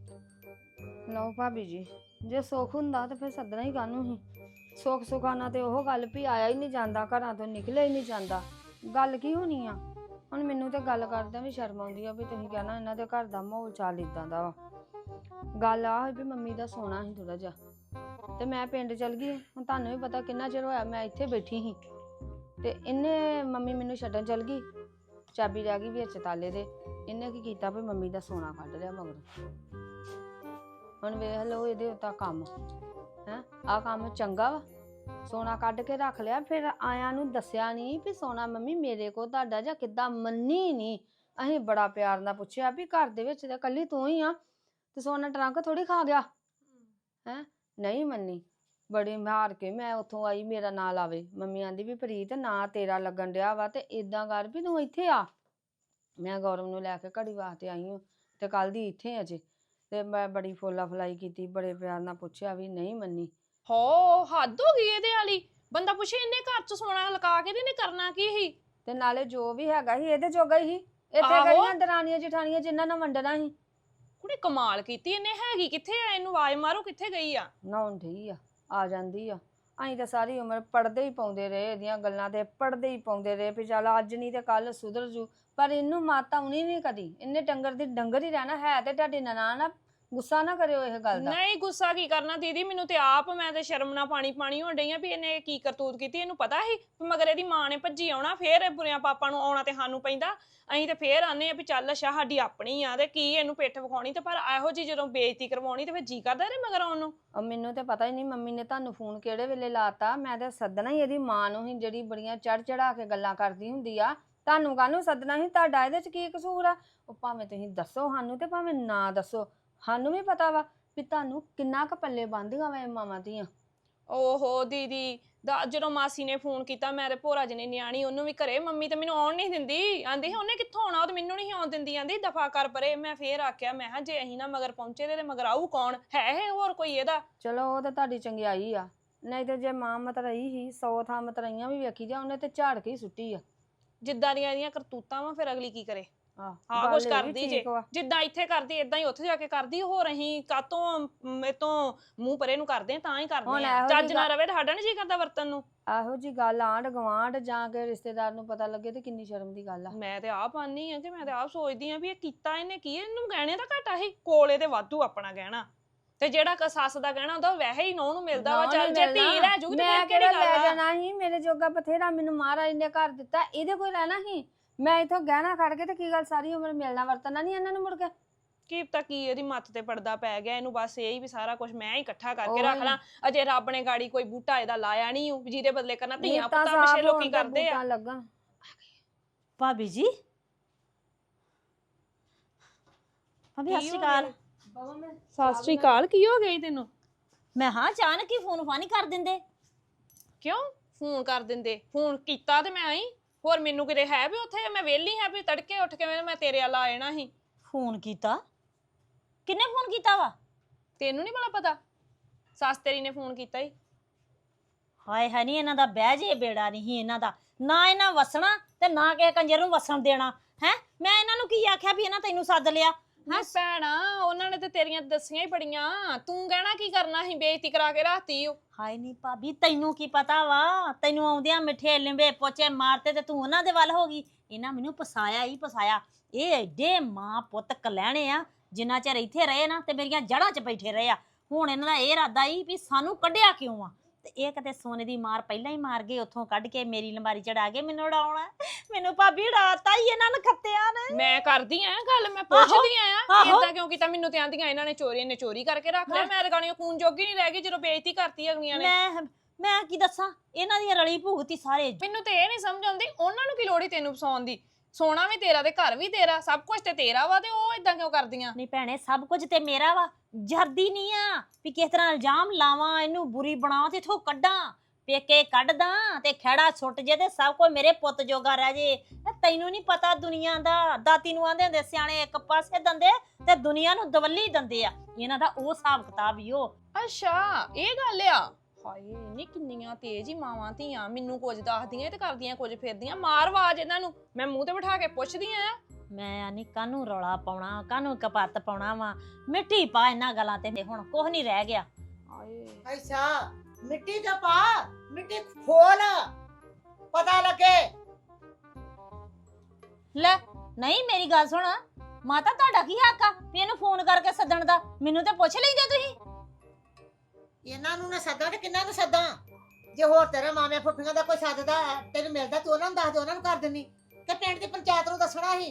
Speaker 4: ਆ?
Speaker 2: ਲਓ ਭਾਬੀ ਜੀ, ਜੇ ਸੁੱਖ ਹੁੰਦਾ ਤੇ ਫਿਰ ਸੱਦਣਾ ਹੀ ਕਾਹਨੂੰ ਸੀ। ਸੁੱਖ ਸੁਖਾਨਾ ਤੇ ਉਹ ਗੱਲ ਵੀ ਆਇਆ ਹੀ ਨਹੀਂ ਜਾਂਦਾ, ਘਰਾਂ ਤੋਂ ਨਿਕਲਿਆ ਹੀ ਨਹੀਂ ਜਾਂਦਾ। ਗੱਲ ਕੀ ਹੋਣੀ ਆ? ਹੁਣ ਮੈਨੂੰ ਤੇ ਗੱਲ ਕਰਦਿਆਂ ਵੀ ਸ਼ਰਮ ਆਉਂਦੀ ਆ ਵੀ ਤੁਸੀਂ ਕਹਿਣਾ ਇਹਨਾਂ ਦੇ ਘਰ ਦਾ ਮਾਹੌਲ ਚਾਲ ਇਦਾਂ ਦਾ ਵਾ। ਗੱਲ ਆ ਹੋਈ ਵੀ ਮੰਮੀ ਦਾ ਸੋਣਾ ਸੀ ਥੋੜਾ ਜਿਹਾ, ਤੇ ਮੈਂ ਪਿੰਡ ਚਲ ਗਈ। ਹੁਣ ਤੁਹਾਨੂੰ ਵੀ ਪਤਾ ਕਿੰਨਾ ਚਿਰ ਹੋਇਆ ਮੈਂ ਇੱਥੇ ਬੈਠੀ ਸੀ, ਤੇ ਇਹਨੇ ਮੰਮੀ ਮੈਨੂੰ ਛੱਡਣ ਚਲ ਗਈ, ਚਾਬੀ ਰਹਿ ਗਈ ਵਿੱਚ ਤਾਲੇ ਦੇ। ਇਹਨੇ ਕੀ ਕੀਤਾ ਵੀ ਮੰਮੀ ਦਾ ਸੋਨਾ ਕੱਢ ਲਿਆ ਮਗਰੋਂ। ਹੁਣ ਵੇਖ ਲਓ ਇਹਦੇ ਉੱਤਾ ਕੰਮ ਹੈ, ਆਹ ਕੰਮ ਚੰਗਾ ਵਾ? ਸੋਨਾ ਕੱਢ ਕੇ ਰੱਖ ਲਿਆ, ਫਿਰ ਆਇਆਂ ਨੂੰ ਦੱਸਿਆ ਨਹੀਂ ਵੀ ਸੋਨਾ ਮੰਮੀ ਮੇਰੇ ਕੋਲ ਤੁਹਾਡਾ ਜਾਂ ਕਿੱਦਾਂ। ਮੰਨੀ ਨਹੀਂ। ਅਸੀਂ ਬੜਾ ਪਿਆਰ ਨਾਲ ਪੁੱਛਿਆ ਵੀ ਘਰ ਦੇ ਵਿੱਚ ਤਾਂ ਇਕੱਲੀ ਤੂੰ ਹੀ ਆ, ਤੇ ਸੋਨਾ ਟਰੰਕ ਥੋੜੀ ਖਾ ਗਿਆ ਹੈ। ਨਹੀਂ ਮੰਨੀ। ਬੜੀ ਮਾਰ ਕੇ ਮੈਂ ਉੱਥੋਂ ਆਈ, ਮੇਰਾ ਨਾਂ ਲਾਵੇ। ਮੰਮੀ ਆਂਦੀ ਵੀ ਪ੍ਰੀਤ ਨਾ ਤੇਰਾ ਲੱਗਣ ਡਿਆ ਵਾ, ਤੇ ਇਦਾਂ ਕਰ ਵੀ ਤੂੰ ਇੱਥੇ ਆ। ਮੈਂ ਗੌਰਵ ਨੂੰ ਲੈ ਕੇ ਘੜੀ ਵਾਸਤੇ ਆਈ ਹਾਂ, ਤੇ ਕੱਲ ਦੀ ਇੱਥੇ ਅਜੇ। ਤੇ ਮੈਂ ਬੜੀ ਫੋਲਾ ਫਲਾਈ ਕੀਤੀ, ਬੜੇ ਪਿਆਰ ਨਾਲ ਪੁੱਛਿਆ ਵੀ ਨਹੀਂ ਮੰਨੀ।
Speaker 4: ਹੋ ਹੱਦ ਹੋ ਗਈ ਇਹਦੇ ਵਾਲੀ। ਬੰਦਾ ਪੁੱਛੇ ਇਹਨੇ ਘਰ ਚ ਸੋਨਾ ਲਗਾ ਕੇ ਤੇ ਇਹਨੇ ਕਰਨਾ ਕੀ ਸੀ?
Speaker 2: ਤੇ ਨਾਲੇ ਜੋ ਵੀ ਹੈਗਾ ਸੀ ਇਹਦੇ ਜੋਗਾ ਹੀ ਸੀ। ਇੱਥੇ
Speaker 4: ਆਹੋ।
Speaker 2: ਕਿਹੜੀਆਂ ਦਰਾਣੀਆਂ ਜਠਾਣੀਆਂ ਜਿਨ੍ਹਾਂ ਨਾਲ ਵੰਡਣਾ ਸੀ।
Speaker 4: ਕੁੜੀ ਕਮਾਲ ਕੀਤੀ ਇਹਨੇ। ਹੈਗੀ ਕਿੱਥੇ ਆ? ਇਹਨੂੰ ਆਵਾਜ਼ ਮਾਰੋ, ਕਿੱਥੇ ਗਈ ਆ?
Speaker 2: ਨਹਾਉਣ ਠੀ ਆ, ਆ ਜਾਂਦੀ ਆ। ਅਸੀਂ ਤਾਂ ਸਾਰੀ ਉਮਰ ਪੜਦੇ ਹੀ ਪਾਉਂਦੇ ਰਹੇ, ਇਹਦੀਆਂ ਗੱਲਾਂ ਤੇ ਪੜਦੇ ਹੀ ਪਾਉਂਦੇ ਰਹੇ ਵੀ ਚੱਲ ਅੱਜ ਨਹੀਂ ਤੇ ਕੱਲ ਸੁਧਰ ਜੂ। ਪਰ ਇਹਨੂੰ ਮਾਤਾ ਆਉਣੀ ਨਹੀਂ ਕਦੀ। ਇਹਨੇ ਡੰਗਰ ਦੀ ਡੰਗਰ ਹੀ ਰਹਿਣਾ ਹੈ। ਤੇ ਤੁਹਾਡੀ ਨਨਾਣ ਆ, ਗੁੱਸਾ ਨਾ ਕਰਿਓ ਇਹ ਗੱਲ ਦਾ।
Speaker 4: ਨਹੀਂ ਗੁੱਸਾ ਕੀ ਕਰਨਾ ਦੀਦੀ, ਮੈਨੂੰ ਤੇ ਆਪ ਮੈਂ ਤੇ ਸ਼ਰਮ ਨਾਲ ਪਾਣੀ ਪਾਣੀ ਹੋਣ ਡਈ ਆ ਵੀ ਇਹਨੇ ਕੀ ਕਰਤੂਤ ਕੀਤੀ। ਇਹਨੂੰ ਪਤਾ ਸੀ ਮਗਰ ਇਹਦੀ ਮਾਂ ਨੇ ਭੱਜੀ ਆਉਣਾ, ਫੇਰ ਇਹ ਬੁਰਿਆਂ ਪਾਪਾ ਨੂੰ ਆਉਣਾ ਤੇ ਸਾਨੂੰ ਪੈਂਦਾ। ਅਸੀਂ ਤੇ ਫੇਰ ਆਨੇ ਆ ਵੀ ਚੱਲ ਅੱਛਾ ਸਾਡੀ ਆਪਣੀ ਆ ਤੇ ਕੀ ਇਹਨੂੰ ਪਿੱਠ ਵਿਖਾਉਣੀ। ਤੇ ਪਰ ਇਹੋ ਜੀ ਜਦੋਂ ਬੇਇੱਜ਼ਤੀ ਕਰਵਾਉਣੀ ਤੇ ਫਿਰ ਜੀ ਕਰਦਾ ਇਹਦੇ ਮਗਰ ਆਉਣ ਨੂੰ।
Speaker 2: ਉਹ ਮੈਨੂੰ ਤੇ ਪਤਾ ਹੀ ਨਹੀਂ ਮੰਮੀ ਨੇ ਤੁਹਾਨੂੰ ਫੋਨ ਕਿਹੜੇ ਵੇਲੇ ਲਾਤਾ। ਮੈਂ ਤੇ ਸੱਦਣਾ ਹੀ ਇਹਦੀ ਮਾਂ ਨੂੰ ਹੀ, ਜਿਹੜੀ ਬੜੀਆਂ ਚੜ ਚੜਾ ਕੇ ਗੱਲਾਂ ਕਰਦੀ ਹੁੰਦੀ ਆ। ਤੁਹਾਨੂੰ ਕਾਹਨੂੰ ਸੱਦਣਾ ਸੀ? ਤੁਹਾਡਾ ਇਹਦੇ ਚ ਕੀ ਕਸੂਰ ਆ? ਉਹ ਭਾਵੇਂ ਤੁਸੀਂ ਦੱਸੋ ਸਾਨੂੰ ਤੇ ਭਾਵੇਂ ਨਾ ਦੱਸੋ, ਸਾਨੂੰ ਵੀ ਪਤਾ ਵਾ ਵੀ ਤੁਹਾਨੂੰ ਕਿੰਨਾ ਕੁ ਪੱਲੇ ਬੰਦੀਆਂ ਵਾ ਇਹ ਮਾਵਾਂ ਦੀਆਂ।
Speaker 4: ਓਹੋ ਦੀਦੀ ਦਾ ਜਦੋਂ ਮਾਸੀ ਨੇ ਫੋਨ ਕੀਤਾ, ਮੈਂ ਤੇ ਭੋਰਾ ਜੀ ਨੇ ਨਿਆਣੀ ਉਹਨੂੰ ਵੀ ਘਰੇ, ਮੰਮੀ ਤੇ ਮੈਨੂੰ ਆਉਣ ਨਹੀਂ ਦਿੰਦੀ। ਆਂਦੀ ਉਹਨੇ ਕਿੱਥੋਂ ਆਉਣਾ, ਉਹ ਤੇ ਮੈਨੂੰ ਨਹੀਂ ਆਉਣ ਦਿੰਦੀ। ਆਂਦੀ ਦਫਾ ਕਰ ਪਰੇ। ਮੈਂ ਫੇਰ ਆਖਿਆ, ਮੈਂ ਕਿਹਾ ਜੇ ਅਸੀਂ ਨਾ ਮਗਰ ਪਹੁੰਚੇ ਤੇ ਮਗਰ ਆਊ ਕੌਣ? ਹੈ ਇਹ ਹੋਰ ਕੋਈ ਇਹਦਾ?
Speaker 2: ਚਲੋ ਉਹ ਤਾਂ ਤੁਹਾਡੀ ਚੰਗਿਆਈ ਆ, ਨਹੀਂ ਤੇ ਜੇ ਮਾਂ ਮਤਰਈ ਸੀ ਸੌ ਥਾਂ ਮਤਰਈਆਂ ਵੀ ਵੇਖੀ ਜਾ, ਉਹਨੇ ਤੇ ਝਾੜ ਕੇ ਹੀ ਸੁੱਟੀ ਆ।
Speaker 4: ਜਿੱਦਾਂ ਦੀਆਂ ਇਹਦੀਆਂ ਕਰਤੂਤਾਂ ਵਾ ਫਿਰ ਅਗਲੀ ਕੀ ਕਰੇ?
Speaker 2: ਆਹ
Speaker 4: ਹਾਂ
Speaker 2: ਗੱਲ
Speaker 4: ਕੁਛ
Speaker 2: ਇਹ ਵੀ
Speaker 4: ਕਰਦੀ ਜੇ,
Speaker 2: ਠੀਕ ਵਾ।
Speaker 4: ਜਿੱਦਾਂ ਇੱਥੇ ਕਰਦੀ ਏਦਾਂ ਹੀ ਉੱਥੇ ਜਾ ਕੇ ਕਰਦੀ। ਹੋਰ ਅਸੀਂ ਕਾਤੋਂ ਮੇਤੋਂ ਮੂੰਹ ਪਰੇ ਨੂੰ ਕਰਦੇ ਆ, ਤਾਂ ਹੀ ਕਰਦੇ
Speaker 2: ਹੁਣ
Speaker 4: ਆ।
Speaker 2: ਇਹੋ ਜਿਹੀ
Speaker 4: ਚੱਜ ਨਾ ਰਵੇ ਤਾਂ ਸਾਡਾ ਨੀ ਜੀ ਕਰਦਾ ਵਰਤਨ ਨੂੰ।
Speaker 2: ਇਹੋ ਜੀ ਗੱਲ ਆਂਢ ਗਵਾਂਢ ਜਾਂ ਕੇ ਰਿਸ਼ਤੇਦਾਰ ਨੂੰ ਪਤਾ ਲੱਗੇ ਤੇ ਕਿੰਨੀ ਸ਼ਰਮ ਦੀ ਗੱਲ ਆ।
Speaker 4: ਮੈਂ ਤੇ ਆਪ ਆਨੀ ਆ ਕਿ ਮੈਂ ਤੇ ਆਪ ਸੋਚਦੀ ਆ ਵੀ ਇਹ ਕੀਤਾ ਇਹਨੇ ਕੀ? ਇਹਨੂੰ ਗਹਿਣੇ ਦਾ ਘਾਟਾ ਸੀ, ਕੋਲੇ ਤੇ ਵਾਧੂ ਆਪਣਾ ਗਹਿਣਾ, ਤੇ ਜਿਹੜਾ ਕ ਸੱਸ ਦਾ ਗਹਿਣਾ ਹੁੰਦਾ ਉਹ ਵੈਸੇ ਹੀ ਨੌਂ ਨੂੰ ਮਿਲਦਾ ਵਾ। ਚੱਲ ਜੇ ਧੀ ਲੈ ਜੂਗੀ ਤੇ
Speaker 2: ਮੈਂ
Speaker 4: ਫਿਰ ਕਿਹੜੀ
Speaker 2: ਕਿਹੜਾ ਲੈ
Speaker 4: ਗੱਲ ਆ?
Speaker 2: ਜਾਣਾ ਸੀ? ਮੇਰੇ ਜੋਗਾ ਬਥੇਰਾ ਮੈਨੂੰ ਮਹਾਰਾਜ ਨੇ ਘਰ ਦਿੱਤਾ, ਇਹਦੇ ਕੋਈ ਰਹਿਣਾ ਸੀ? ਮੈਂ ਇਥੋਂ ਗਹਿਣਾ ਖੜ ਕੇ ਤੇ ਕੀ ਗੱਲ ਸਾਰੀ ਉਮਰ ਮਿਲਣਾ ਵਰਤਣਾ ਨਹੀਂ ਇਹਨਾਂ ਨੂੰ ਮੁੜ ਕੇ?
Speaker 4: ਕੀ ਪਤਾ ਕੀ ਇਹਦੀ ਮੱਤ ਤੇ ਪੜਦਾ ਪੈ ਗਿਆ ਇਹਨੂੰ। ਬਸ ਇਹ ਹੀ ਵੀ ਸਾਰਾ ਕੁਝ ਮੈਂ ਹੀ ਇਕੱਠਾ ਕਰਕੇ ਰੱਖ ਲਾਂ। ਅਜੇ ਰੱਬ ਨੇ ਗਾੜੀ ਕੋਈ ਬੂਟਾ ਇਹਦਾ ਲਾਇਆ ਨਹੀਂ, ਜਿਹਦੇ ਬਦਲੇ ਕਰਨਾ ਧੀਆਂ ਪੁੱਤਾਂ ਪਿੱਛੇ ਲੋਕੀ ਕਰਦੇ ਆ।
Speaker 2: ਲੱਗਣ
Speaker 5: ਭਾਬੀ ਜੀ, ਭਾਬੀ ਸਤਿ ਸ਼੍ਰੀ ਅਕਾਲ।
Speaker 4: ਸਤਿ ਸ਼੍ਰੀ ਅਕਾਲ। ਕੀ ਹੋ ਗਈ ਤੈਨੂੰ?
Speaker 5: ਮੈਂ ਹਾਂ ਅਚਾਨਕ ਹੀ ਫੋਨ ਫਾਨੀ ਕਰ ਦਿੰਦੇ।
Speaker 4: ਕਿਉਂ ਫੋਨ ਕਰ ਦਿੰਦੇ? ਫੋਨ ਕੀਤਾ ਤੇ ਮੈਂ ਆਈ। ਹੋਰ ਮੈਨੂੰ ਕਿਤੇ ਹੈ ਵੀ ਉੱਥੇ ਮੈਂ ਵਿਹਲੀ ਹਾਂ ਵੀ ਤੜਕੇ ਉੱਠ ਕੇ ਮੈਂ ਤੇਰੇ ਵੱਲ ਆ ਜਾਣਾ ਸੀ?
Speaker 5: ਫੋਨ ਕੀਤਾ? ਕਿੰਨੇ ਫੋਨ ਕੀਤਾ ਵਾ?
Speaker 4: ਤੈਨੂੰ ਨਹੀਂ ਭਲਾ ਪਤਾ? ਸੱਸ ਤੇਰੀ ਨੇ ਫੋਨ ਕੀਤਾ ਹੀ।
Speaker 5: ਹਾਏ ਹੈ ਨਹੀਂ, ਇਹਨਾਂ ਦਾ ਬਹਿ ਜੇ ਬੇੜਾ ਨਹੀਂ ਇਹਨਾਂ ਦਾ। ਨਾ ਇਹਨਾਂ ਵਸਣਾ ਤੇ ਨਾ ਕਿਸੇ ਕੰਜਰ ਨੂੰ ਵਸਣ ਦੇਣਾ ਹੈ। ਮੈਂ ਇਹਨਾਂ ਨੂੰ ਕੀ ਆਖਿਆ ਵੀ ਇਹਨਾਂ ਤੈਨੂੰ ਸੱਦ ਲਿਆ
Speaker 4: ਨਹੀਂ ਭੈਣਾ ਉਹਨਾਂ ਨੇ ਤੇ ਤੇਰੀਆਂ ਦੱਸੀਆਂ ਹੀ ਬੜੀਆਂ, ਤੂੰ ਕਹਿਣਾ ਕੀ ਕਰਨਾ ਸੀ, ਬੇਇੱਜ਼ਤੀ ਕਰਾ ਕੇ ਰੱਖਤੀ ਓ।
Speaker 5: ਹਾਏ ਨਹੀਂ ਭਾਬੀ ਤੈਨੂੰ ਕੀ ਪਤਾ ਵਾ, ਤੈਨੂੰ ਆਉਂਦਿਆਂ ਮਿੱਠੇ ਲਿੰਬੇ ਪੋਚੇ ਮਾਰਤੇ ਤੇ ਤੂੰ ਉਹਨਾਂ ਦੇ ਵੱਲ ਹੋ ਗਈ। ਇਹਨਾਂ ਮੈਨੂੰ ਫਸਾਇਆ ਹੀ ਫਸਾਇਆ। ਇਹ ਐਡੇ ਮਾਂ ਪੁੱਤ ਕਲਹਿਣੇ ਆ, ਜਿੰਨਾ ਚਿਰ ਇੱਥੇ ਰਹੇ ਨਾ ਤੇ ਮੇਰੀਆਂ ਜੜ੍ਹਾਂ 'ਚ ਬੈਠੇ ਰਹੇ ਆ। ਹੁਣ ਇਹਨਾਂ ਦਾ ਇਹ ਇਰਾਦਾ ਹੀ ਵੀ ਸਾਨੂੰ ਕੱਢਿਆ ਕਿਉਂ ਆ, ਤੇ ਇਹ ਕਿਤੇ ਸੋਨੇ ਦੀ ਮਾਰ ਪਹਿਲਾਂ ਹੀ ਮਾਰ ਗਏ, ਉੱਥੋਂ ਕੱਢ ਕੇ ਮੇਰੀ ਲੰਬਾਰੀ ਚੜਾ ਕੇ ਮੈਨੂੰ ਉਡਾਉਣਾ। ਮੈਨੂੰ ਭਾਬੀ ਉਡਾਤਾ ਹੀ ਇਹਨਾਂ ਨੇ ਖੱਤਿਆਂ ਨੇ।
Speaker 4: ਮੈਂ ਕਰਦੀ ਆ ਗੱਲ, ਮੈਂ ਪੁੱਛਦੀ ਆ
Speaker 5: ਆਹੋ।
Speaker 4: ਇਦਾਂ ਕਿਉਂ ਕੀਤਾ, ਮੈਨੂੰ ਤੇ ਆਂਦੀਆਂ ਇਹਨਾਂ ਨੇ ਚੋਰੀ ਨੇ ਚੋਰੀ ਕਰਕੇ ਰੱਖ ਲਿਆ। ਮੈਂ ਰਗਾਣੀਆਂ ਕੂਨ ਜੋਗੀ ਨਹੀਂ ਰਹਿ ਗਈ ਜਦੋਂ ਬੇਇੱਜ਼ਤੀ ਕਰਤੀ ਅਗਲੀਆਂ ਨੇ।
Speaker 5: ਮੈਂ ਮੈਂ ਕੀ ਦੱਸਾਂ, ਇਹਨਾਂ ਦੀ ਰਲੀ ਭੁਗਤੀ ਸਾਰੇ।
Speaker 4: ਮੈਨੂੰ ਤੇ ਇਹ ਨਹੀਂ ਸਮਝ ਆਉਂਦੀ ਉਹਨਾਂ ਨੂੰ ਕੀ ਲੋੜ ਈ ਤੈਨੂੰ ਫਸਾਉਣ ਦੀ, ਸੋਨਾ ਵੀ ਤੇਰਾ ਤੇ ਘਰ ਵੀ ਤੇਰਾ, ਸਭ ਕੁਝ ਤੇ ਤੇਰਾ ਵਾ, ਤੇ ਉਹ ਇਦਾਂ ਕਿਉਂ ਕਰਦੀਆਂ?
Speaker 5: ਨਹੀਂ ਭੈਣੇ ਸਭ ਕੁਝ ਤੇ ਮੇਰਾ ਵਾ, ਜਰਦੀ ਨਹੀਂ ਆ ਵੀ ਕਿਸ ਤਰ੍ਹਾਂ ਇਲਜ਼ਾਮ ਲਾਵਾਂ, ਇਹਨੂੰ ਬੁਰੀ ਬਣਾਵਾਂ ਤੇ ਇਥੋਂ ਕੱਢਾਂ, ਪੇਕੇ ਕੱਢਦਾਂ ਤੇ ਖਹਿੜਾ ਸੁੱਟ ਜੇ ਤੇ ਸਭ ਕੁਝ ਮੇਰੇ ਪੁੱਤ ਜੋਗਾ ਰਹਿ ਜੇ। ਇਹ ਤੈਨੂੰ ਨਹੀਂ ਪਤਾ ਦੁਨੀਆ ਦਾ, ਦਾਤੀ ਨੂੰ ਆਂਦੇ ਹੁੰਦੇ ਸਿਆਣੇ ਇੱਕ ਪਾਸੇ ਦੰਦੇ ਤੇ ਦੁਨੀਆ ਨੂੰ ਦਵੱਲੀ ਦੰਦੇ ਆ। ਇਹਨਾਂ ਦਾ ਉਹ ਹਿਸਾਬ ਕਿਤਾਬ ਹੀ ਉਹ।
Speaker 4: ਅੱਛਾ ਇਹ ਗੱਲ ਆ। ਹਾਏ ਨੀ ਕਿੰਨੀਆਂ ਤੇਜ਼ ਹੀ ਮਾਵਾਂ ਧੀਆਂ, ਮੈਨੂੰ ਕੁਝ ਦੱਸਦੀਆਂ ਤੇ ਕਰਦੀਆਂ ਕੁਝ ਫਿਰਦੀਆਂ। ਮਾਰ ਆਵਾਜ਼ ਇਹਨਾਂ ਨੂੰ, ਮੈਂ ਮੂੰਹ ਤੇ ਬਿਠਾ ਕੇ ਪੁੱਛਦੀ ਆ।
Speaker 5: ਮੈਂ ਆਨੀ ਕਾਹਨੂੰ ਰੌਲਾ ਪਾਉਣਾ, ਕਾਹਨੂੰ ਕਪੱਤ ਪਾਉਣਾ ਵਾ, ਮਿੱਟੀ ਪਾ ਇਹਨਾਂ ਗੱਲਾਂ ਤੇ, ਹੁਣ ਕੁਝ ਨਹੀਂ ਰਹਿ ਗਿਆ।
Speaker 4: ਹਾਏ
Speaker 1: ਅੱਛਾ ਮਿੱਟੀ ਦਾ ਪਾ, ਮਿੱਟੀ ਖੋਲ, ਪਤਾ ਲੱਗੇ।
Speaker 5: ਲੈ ਨਹੀਂ ਮੇਰੀ ਗੱਲ ਸੁਣ, ਮਾਤਾ ਤੁਹਾਡਾ ਕੀ ਹੱਕ ਆ ਵੀ ਇਹਨੂੰ ਫੋਨ ਕਰਕੇ ਸੱਦਣ ਦਾ? ਮੈਨੂੰ ਤੇ ਪੁੱਛ ਲੈਂਦੇ ਤੁਸੀਂ।
Speaker 1: ਇਹਨਾਂ ਨੂੰ ਨਾ ਸੱਦਾਂ ਤੇ ਕਿੰਨਾਂ ਨੂੰ ਸੱਦਾਂ? ਜੇ ਹੋਰ ਤੇਰੇ ਮਾਮੇ ਫੁੱਫੀਆਂ ਦਾ ਕੋਈ ਸੱਦਦਾ ਤੈਨੂੰ ਮਿਲਦਾ ਤੂੰ ਉਹਨਾਂ ਨੂੰ ਦੱਸ ਦੇ, ਉਹਨਾਂ ਨੂੰ ਕਰ ਦਿੰਦੀ ਕਿ ਪਿੰਡ ਦੀ ਪੰਚਾਇਤ ਨੂੰ ਦੱਸਣਾ ਸੀ।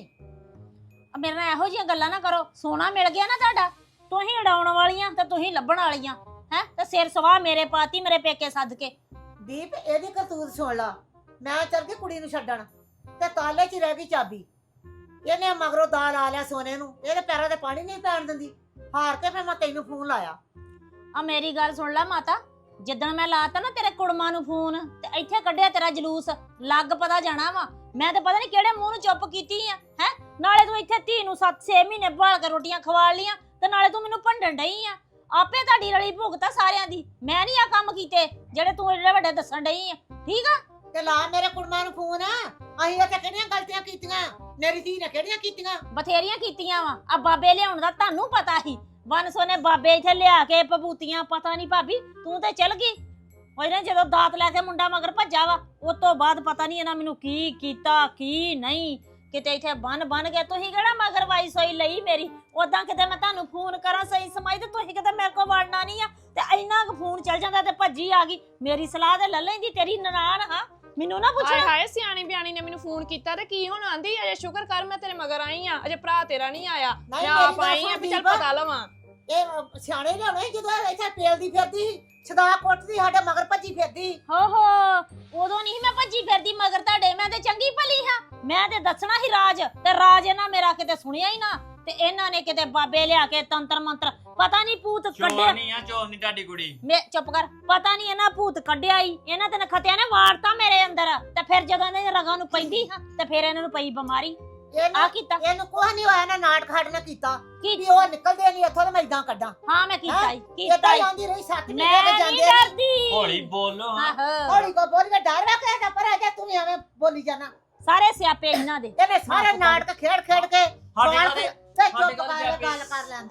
Speaker 5: ਮੇਰੇ ਨਾਲ ਇਹੋ ਜਿਹੀਆਂ ਗੱਲਾਂ ਨਾ ਕਰੋ। ਸੋਨਾ ਮਿਲ ਗਿਆ ਨਾ ਤੁਹਾਡਾ, ਤੁਸੀਂ ਉਡਾਉਣ ਵਾਲੀਆਂ ਤੇ ਤੁਸੀਂ ਲੱਭਣ ਵਾਲੀਆਂ ਹੈ, ਤੇ ਸਿਰ ਸਵਾਹ ਮੇਰੇ ਪਾਤੀ ਮੇਰੇ ਪੇਕੇ ਸੱਦ ਕੇ।
Speaker 1: ਦੀਪ ਇਹਦੀ ਕਰਤੂਤ ਸੁਣ ਲਾ। ਮੈਂ ਚੱਲ ਗਈ ਕੁੜੀ ਨੂੰ ਛੱਡਣ ਤੇ ਤਾਲੇ 'ਚ ਹੀ ਰਹਿ ਗਈ ਚਾਬੀ। ਇਹਨੇ ਮਗਰੋਂ ਦਾਲ ਆ ਲਿਆ ਸੋਨੇ ਨੂੰ, ਇਹਦੇ ਪੈਰਾਂ ਤੇ ਪਾਣੀ ਨਹੀਂ ਪੈਣ ਦਿੰਦੀ। ਹਾਰ ਕੇ ਫਿਰ ਮੈਂ ਤੈਨੂੰ ਫੋਨ ਲਾਇਆ।
Speaker 5: ਆ ਮੇਰੀ ਗੱਲ ਸੁਣ ਲੈ ਮਾਤਾ, ਜਿੱਦਣ ਮੈਂ ਲਾਤਾ ਨਾ ਤੇਰੇ ਕੁੜਮਾਂ ਨੂੰ ਫੋਨ ਤੇ ਇੱਥੇ ਕੱਢਿਆ ਤੇਰਾ ਜਲੂਸ, ਲੱਗ ਪਤਾ ਜਾਣਾ ਵਾ। ਮੈਂ ਤੇ ਪਤਾ ਨਹੀਂ ਕਿਹੜੇ ਮੂੰਹ ਨੂੰ ਚੁੱਪ ਕੀਤੀ ਆ ਹੈ। ਨਾਲੇ ਤੂੰ ਇੱਥੇ ਧੀ ਨੂੰ ਸੱਤ ਛੇ ਮਹੀਨੇ ਭਾਲ ਕੇ ਰੋਟੀਆਂ ਖਵਾ ਲੀਆਂ ਤੇ ਨਾਲੇ ਤੂੰ ਮੈਨੂੰ ਭੰਡਣ ਡਈ ਆ। ਆਪੇ ਤੁਹਾਡੀ ਰਲੀ ਭੁਗਤਾ ਸਾਰਿਆਂ ਦੀ, ਮੈਂ ਨਹੀਂ ਆ ਕੰਮ ਕੀਤੇ ਜਿਹੜੇ ਤੂੰ ਏਡੇ ਵੱਡੇ ਦੱਸਣ ਡਈ ਆ, ਠੀਕ ਆ?
Speaker 1: ਤੇ ਲਾ ਮੇਰੇ ਕੁੜਮਾਂ ਨੂੰ ਫੋਨ। ਅਸੀਂ ਇੱਥੇ ਕਿਹੜੀਆਂ ਗਲਤੀਆਂ ਕੀਤੀਆਂ? ਮੇਰੀ ਧੀ ਨੇ ਕਿਹੜੀਆਂ ਕੀਤੀਆਂ?
Speaker 5: ਬਥੇਰੀਆਂ ਕੀਤੀਆਂ ਵਾ। ਆ ਬਾਬੇ ਲਿਆਉਣ ਦਾ ਤੁਹਾਨੂੰ ਪਤਾ ਸੀ, ਵਨ ਸੋਨੇ ਬਾਬੇ ਇੱਥੇ ਲਿਆ ਕੇ ਪਬੂਤੀਆਂ। ਪਤਾ ਨਹੀਂ ਭਾਬੀ ਤੂੰ ਤੇ ਚਲ ਗਈ ਉਹਨੇ ਜਦੋਂ ਦਾਤ ਲੈ ਕੇ ਮੁੰਡਾ ਮਗਰ ਭੱਜਾ ਵਾ, ਉਸ ਤੋਂ ਬਾਅਦ ਪਤਾ ਨਹੀਂ ਇਹਨਾਂ ਮੈਨੂੰ ਕੀ ਕੀਤਾ ਕੀ ਨਹੀਂ। ਕਿਤੇ ਇੱਥੇ ਬੰਨ ਬੰਨ ਗਿਆ। ਤੁਸੀਂ ਕਿਹੜਾ ਮਗਰ ਵਾਈ ਸੋਈ ਲਈ ਮੇਰੀ? ਉਦਾਂ ਕਿਤੇ ਮੈਂ ਤੁਹਾਨੂੰ ਫੋਨ ਕਰਾਂ ਸਹੀ ਸਮਾਈ ਤੇ ਤੁਸੀਂ ਕਿਤੇ ਮੇਰੇ ਕੋਲ ਵੜਨਾ ਨਹੀਂ ਆ, ਤੇ ਇੰਨਾ ਕੁ ਫੋਨ ਚੱਲ ਜਾਂਦਾ ਤੇ ਭੱਜੀ ਆ ਗਈ। ਮੇਰੀ ਸਲਾਹ ਤੇ ਲੈ ਲੈਂਦੀ, ਤੇਰੀ ਨਨਾਣ ਹਾਂ, ਮੈਨੂੰ ਨਾ ਪੁੱਛ।
Speaker 4: ਹਾਏ ਹਾਏ ਸਿਆਣੀ ਬਿਆਣੀ ਨੇ ਮੈਨੂੰ ਫੋਨ ਕੀਤਾ ਤੇ ਕੀ ਹੁਣ ਆਂਦੀ? ਅਜੇ ਸ਼ੁਕਰ ਕਰ ਮੈਂ ਤੇਰੇ ਮਗਰ ਆਈ ਆ, ਅਜੇ ਭਰਾ ਤੇਰਾ ਨਹੀਂ ਆਇਆ। ਮੈਂ ਆਪ ਆਈ ਆ ਵੀ ਚੱਲ ਪਤਾ ਲਵਾਂ।
Speaker 1: ਇਹ ਸਿਆਣੇ ਲਿਆਉਣੇ ਜਦੋਂ ਇੱਥੇ ਪੇਲਦੀ ਫਿਰਦੀ ਛਦਾ ਕੁੱਟਦੀ ਸਾਡੇ ਮਗਰ ਭੱਜੀ ਫਿਰਦੀ।
Speaker 5: ਹੋ ਹੋ ਉਦੋਂ ਨਹੀਂ ਮੈਂ ਭੱਜੀ ਫਿਰਦੀ ਮਗਰ ਤੁਹਾਡੇ, ਮੈਂ ਤੇ ਚੰਗੀ ਭਲੀ ਹਾਂ। ਮੈਂ ਤੇ ਦੱਸਣਾ ਸੀ ਰਾਜ, ਤੇ ਰਾਜ ਇਹਨਾਂ ਮੇਰਾ ਕਿਤੇ ਸੁਣਿਆ ਹੀ ਨਾ, ਤੇ ਇਹਨਾਂ ਨੇ ਕਿਤੇ ਬਾਬੇ ਲਿਆ ਕੇ ਤੰਤਰ ਮੰਤਰ ਪਤਾ ਨਹੀਂ ਭੂਤ ਕੱਢਿਆ।
Speaker 3: ਚੋਰ ਨਹੀਂ ਆ, ਚੋਰ ਨਹੀਂ ਤੁਹਾਡੀ ਕੁੜੀ।
Speaker 5: ਮੈਂ ਚੁੱਪ ਕਰ, ਪਤਾ ਨਹੀਂ ਇਹਨਾਂ ਭੂਤ ਕੱਢਿਆ ਹੀ, ਇਹਨਾਂ ਤੇ ਨਖਤਿਆਂ ਨੇ ਵਾੜਤਾ ਮੇਰੇ ਅੰਦਰ। ਤੇ ਫਿਰ ਜਦੋਂ ਇਹਨਾਂ ਦੇ ਰਗਾਂ ਨੂੰ ਪੈਂਦੀ ਹਾਂ ਤੇ ਫਿਰ ਇਹਨਾਂ ਨੂੰ ਪਈ ਬਿਮਾਰੀ। ਆ ਕੀਤਾ
Speaker 1: ਇਹਨੂੰ ਕੁਝ ਨਹੀਂ ਹੋਇਆ ਨਾ, ਨਾਟਕ ਸਾਡੇ ਨਾਲ ਕੀਤਾ
Speaker 5: ਕੀ?
Speaker 1: ਵੀ ਉਹ ਨਿਕਲਦੇ ਨਹੀਂ ਇੱਥੋਂ ਤੇ ਮੈਂ ਇਦਾਂ ਕੱਢਾਂ।
Speaker 5: ਹਾਂ ਮੈਂ ਕੀਤਾ ਹੀ ਕੀਤਾ
Speaker 1: ਇਦਾਂ
Speaker 5: ਹੀ।
Speaker 1: ਜਾਂਦੀ ਰਹੀ ਸੱਤ
Speaker 5: ਮੈਂ
Speaker 1: ਮਹੀਨੇ
Speaker 5: ਨਹੀਂ
Speaker 1: ਜਾਂਦੇ
Speaker 5: ਡਰਦੀ।
Speaker 3: ਹੌਲੀ ਬੋਲੋ ਹਾਂ।
Speaker 5: ਆਹੋ
Speaker 1: ਹੌਲੀ ਕੋ ਬੋਲੀ ਕੇ ਡਰ ਰੱਖਿਆ ਤਾਂ ਪਰ ਅਜੇ ਤੂੰ ਐਵੇਂ ਬੋਲੀ ਜਾਣਾ।
Speaker 5: ਸਾਰੇ ਸਿਆਪੇ ਇਹਨਾਂ ਦੇ।
Speaker 1: ਇਹਨੇ ਸਾਰੇ ਨਾਟਕ ਖੇਡ ਖੇਡ ਕੇ
Speaker 3: ਸਾਡੇ
Speaker 1: ਵਾਲ
Speaker 3: ਘਰੇ-
Speaker 1: ਤੇ
Speaker 3: ਸਾਡੇ
Speaker 1: ਚੁੱਪ
Speaker 3: ਘਰੇ
Speaker 1: ਕਰ
Speaker 3: ਸਿਆਪੇ।
Speaker 1: ਗੱਲ ਕਰ ਲੈਂਦੇ।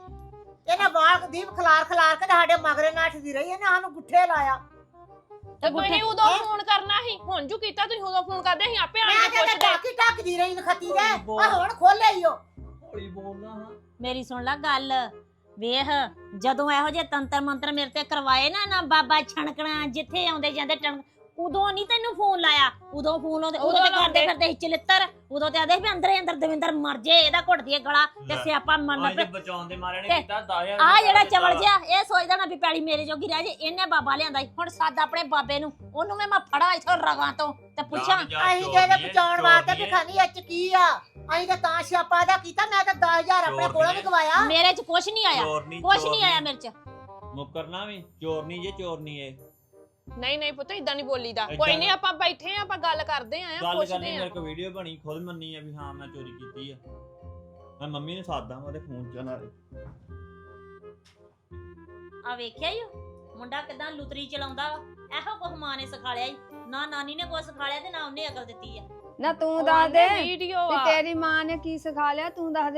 Speaker 1: ਇਹਨੇ ਵਾਲ ਦੀਪ ਖਲਾਰ ਖਲਾਰ ਕੇ ਸਾਡੇ ਮਗਰੇ ਨਾਟਦੀ ਰਹੀ। ਇਹਨੇ ਸਾਨੂੰ ਗੁੱਠੇ ਲਾਇਆ।
Speaker 4: ਤੇ ਤੁਸੀਂ ਉਦੋਂ ਫੋਨ ਕਰਨਾ ਸੀ, ਹੁਣ ਜੂ ਕੀਤਾ ਤੁਸੀਂ ਉਦੋਂ ਫੋਨ ਕਰਦੇ ਸੀ, ਆਪੇ ਆਣ
Speaker 1: ਮੈਂ
Speaker 4: ਕੇ
Speaker 1: ਤੇ
Speaker 4: ਪੁੱਛਦੇ।
Speaker 1: ਟਾਕੀ ਟਾਕਦੀ ਰਹੀ ਨਖਤੀ ਦੇ। ਆ ਹੁਣ ਖੋਲੇ ਈ ਉਹ।
Speaker 3: ਹੌਲੀ ਬੋਲਣਾ ਹਾਂ।
Speaker 5: ਮੇਰੀ ਸੁਣ ਲੈ ਗੱਲ, ਵੇਖ ਜਦੋਂ ਇਹੋ ਜਿਹੇ ਤੰਤਰ ਮੰਤਰ ਮੇਰੇ ਤੇ ਕਰਵਾਏ ਨਾ ਨਾ ਬਾਬਾ ਛਣਕਣਾ ਜਿੱਥੇ ਆਉਂਦੇ ਜਾਂਦੇ ਟਣ, ਉਦੋਂ ਨਹੀਂ ਤੈਨੂੰ ਫੋਨ ਲਾਇਆ। ਉਦੋਂ ਫੋਨ ਉਦੋਂ
Speaker 4: ਉਦੋਂ
Speaker 5: ਤੇ
Speaker 4: ਲਾਉਂਦੇ।
Speaker 5: ਕਰਦੇ ਫਿਰਦੇ ਸੀ ਚਲਿੱਤਰ। ਉਦੋਂ ਤੇ ਆਦੇ ਵੀ ਅੰਦਰੇ ਅੰਦਰ ਦਵਿੰਦਰ ਮਰ ਜੇ, ਇਹਦਾ ਘੁੱਟਦੀ ਏ ਗਲਾ ਤੇ
Speaker 3: ਲੈ।
Speaker 5: ਸਿਆਪਾ ਮਰਨ
Speaker 3: ਅੱਜ
Speaker 5: ਪੇ।
Speaker 3: ਬਚਾਉਣ ਦੇ ਮਾਰੇ ਨੇ
Speaker 5: ਤੇ
Speaker 3: ਕੀਤਾ ਦਸ ਹਜ਼ਾਰ।
Speaker 5: ਆ ਜਿਹੜਾ ਚਵਲ ਜਿਹਾ ਇਹ ਸੋਚਦਾ ਨਾ ਵੀ ਪੈਲੀ ਮੇਰੇ ਜੋਗੀ ਰਹਿ ਜੇ, ਇਹਨੇ ਬਾਬਾ ਲਿਆਂਦਾ ਸੀ। ਹੁਣ ਸੱਦ ਆਪਣੇ ਬਾਬੇ ਨੂੰ, ਉਹਨੂੰ ਮੈਂ ਮੈਂ ਫੜਾ ਇਥੋਂ ਰਗਾਂ ਤੋਂ ਤੇ ਪੁੱਛਾਂ।
Speaker 1: ਅਸੀਂ ਜਿਹਦੇ ਬਚਾਉਣ ਵਾਸਤੇ ਵੀ ਖਾਨੀ ਅੱਜ ਕੀ ਆ। ਅਸੀਂ ਤਾਂ ਤਾਂ ਸਿਆਪਾ ਦਾ ਕੀਤਾ। ਮੈਂ ਤਾਂ ਦਸ ਹਜ਼ਾਰ ਆਪਣੇ
Speaker 3: ਚੋਰ
Speaker 1: ਕੋਲੋਂ
Speaker 3: ਨਹੀਂ
Speaker 1: ਵੀ ਗਵਾਇਆ।
Speaker 5: ਮੇਰੇ ਚ ਕੁਛ ਨਹੀਂ ਆਇਆ,
Speaker 3: ਚੋਰ ਨਹੀਂ,
Speaker 5: ਕੁਛ
Speaker 3: ਚੋਰ
Speaker 5: ਨਹੀਂ ਆਇਆ ਮੇਰੇ ਚ।
Speaker 3: ਮੁੱਕਰਨਾ ਵੀ ਚੋਰ ਨਹੀਂ ਜੇ, ਚੋਰ ਨਹੀਂ ਇਹ।
Speaker 4: ਨਹੀਂ ਨਹੀਂ ਪੁੱਤ ਇਦਾਂ ਨਹੀਂ ਬੋਲੀਦਾ।
Speaker 3: ਏਦਾਂ
Speaker 4: ਕੋਈ ਨਹੀਂ ਆਪਾਂ ਬੈਠੇ ਆ, ਆਪਾਂ ਗੱਲ ਕਰਦੇ ਆ,
Speaker 3: ਗੱਲ
Speaker 4: ਪੁੱਛਦੇ
Speaker 3: ਕਰਨੀ
Speaker 4: ਆ।
Speaker 3: ਮੇਰੇ ਕੋਲ ਵੀਡੀਓ ਬਣੀ, ਖੁਦ ਮੰਨੀ ਆ ਵੀ ਹਾਂ ਮੈਂ ਚੋਰੀ ਕੀਤੀ ਆ। ਮੈਂ ਮੰਮੀ ਨੂੰ ਸਾਦਾ ਉਹਦੇ ਫੋਨ ਚ ਨਾਲੇ।
Speaker 5: ਆ ਵੇਖਿਆ ਈ ਮੁੰਡਾ ਕਿਦਾਂ ਲੁਤਰੀ ਚਲਾਉਂਦਾ ਵਾ। ਇਹੋ ਕੁਝ ਮਾਂ ਨੇ ਸਿਖਾਲਿਆ ਈ, ਨਾ ਨਾਨੀ ਨੇ ਕੁਝ ਸਿਖਾਲਿਆ ਤੇ ਨਾ ਉਹਨੇ ਅਕਲ ਦਿੱਤੀ ਆ।
Speaker 2: ਨਾ ਤੂੰ ਦੱਸ ਦੇ
Speaker 4: ਵੀਡੀਓ
Speaker 2: ਵੀ
Speaker 4: ਆ।
Speaker 2: ਤੇਰੀ ਮਾਂ ਨੇ ਕੀ ਸਿਖਾ ਲਿਆ, ਤੂੰ ਦੱਸ ਦੇ।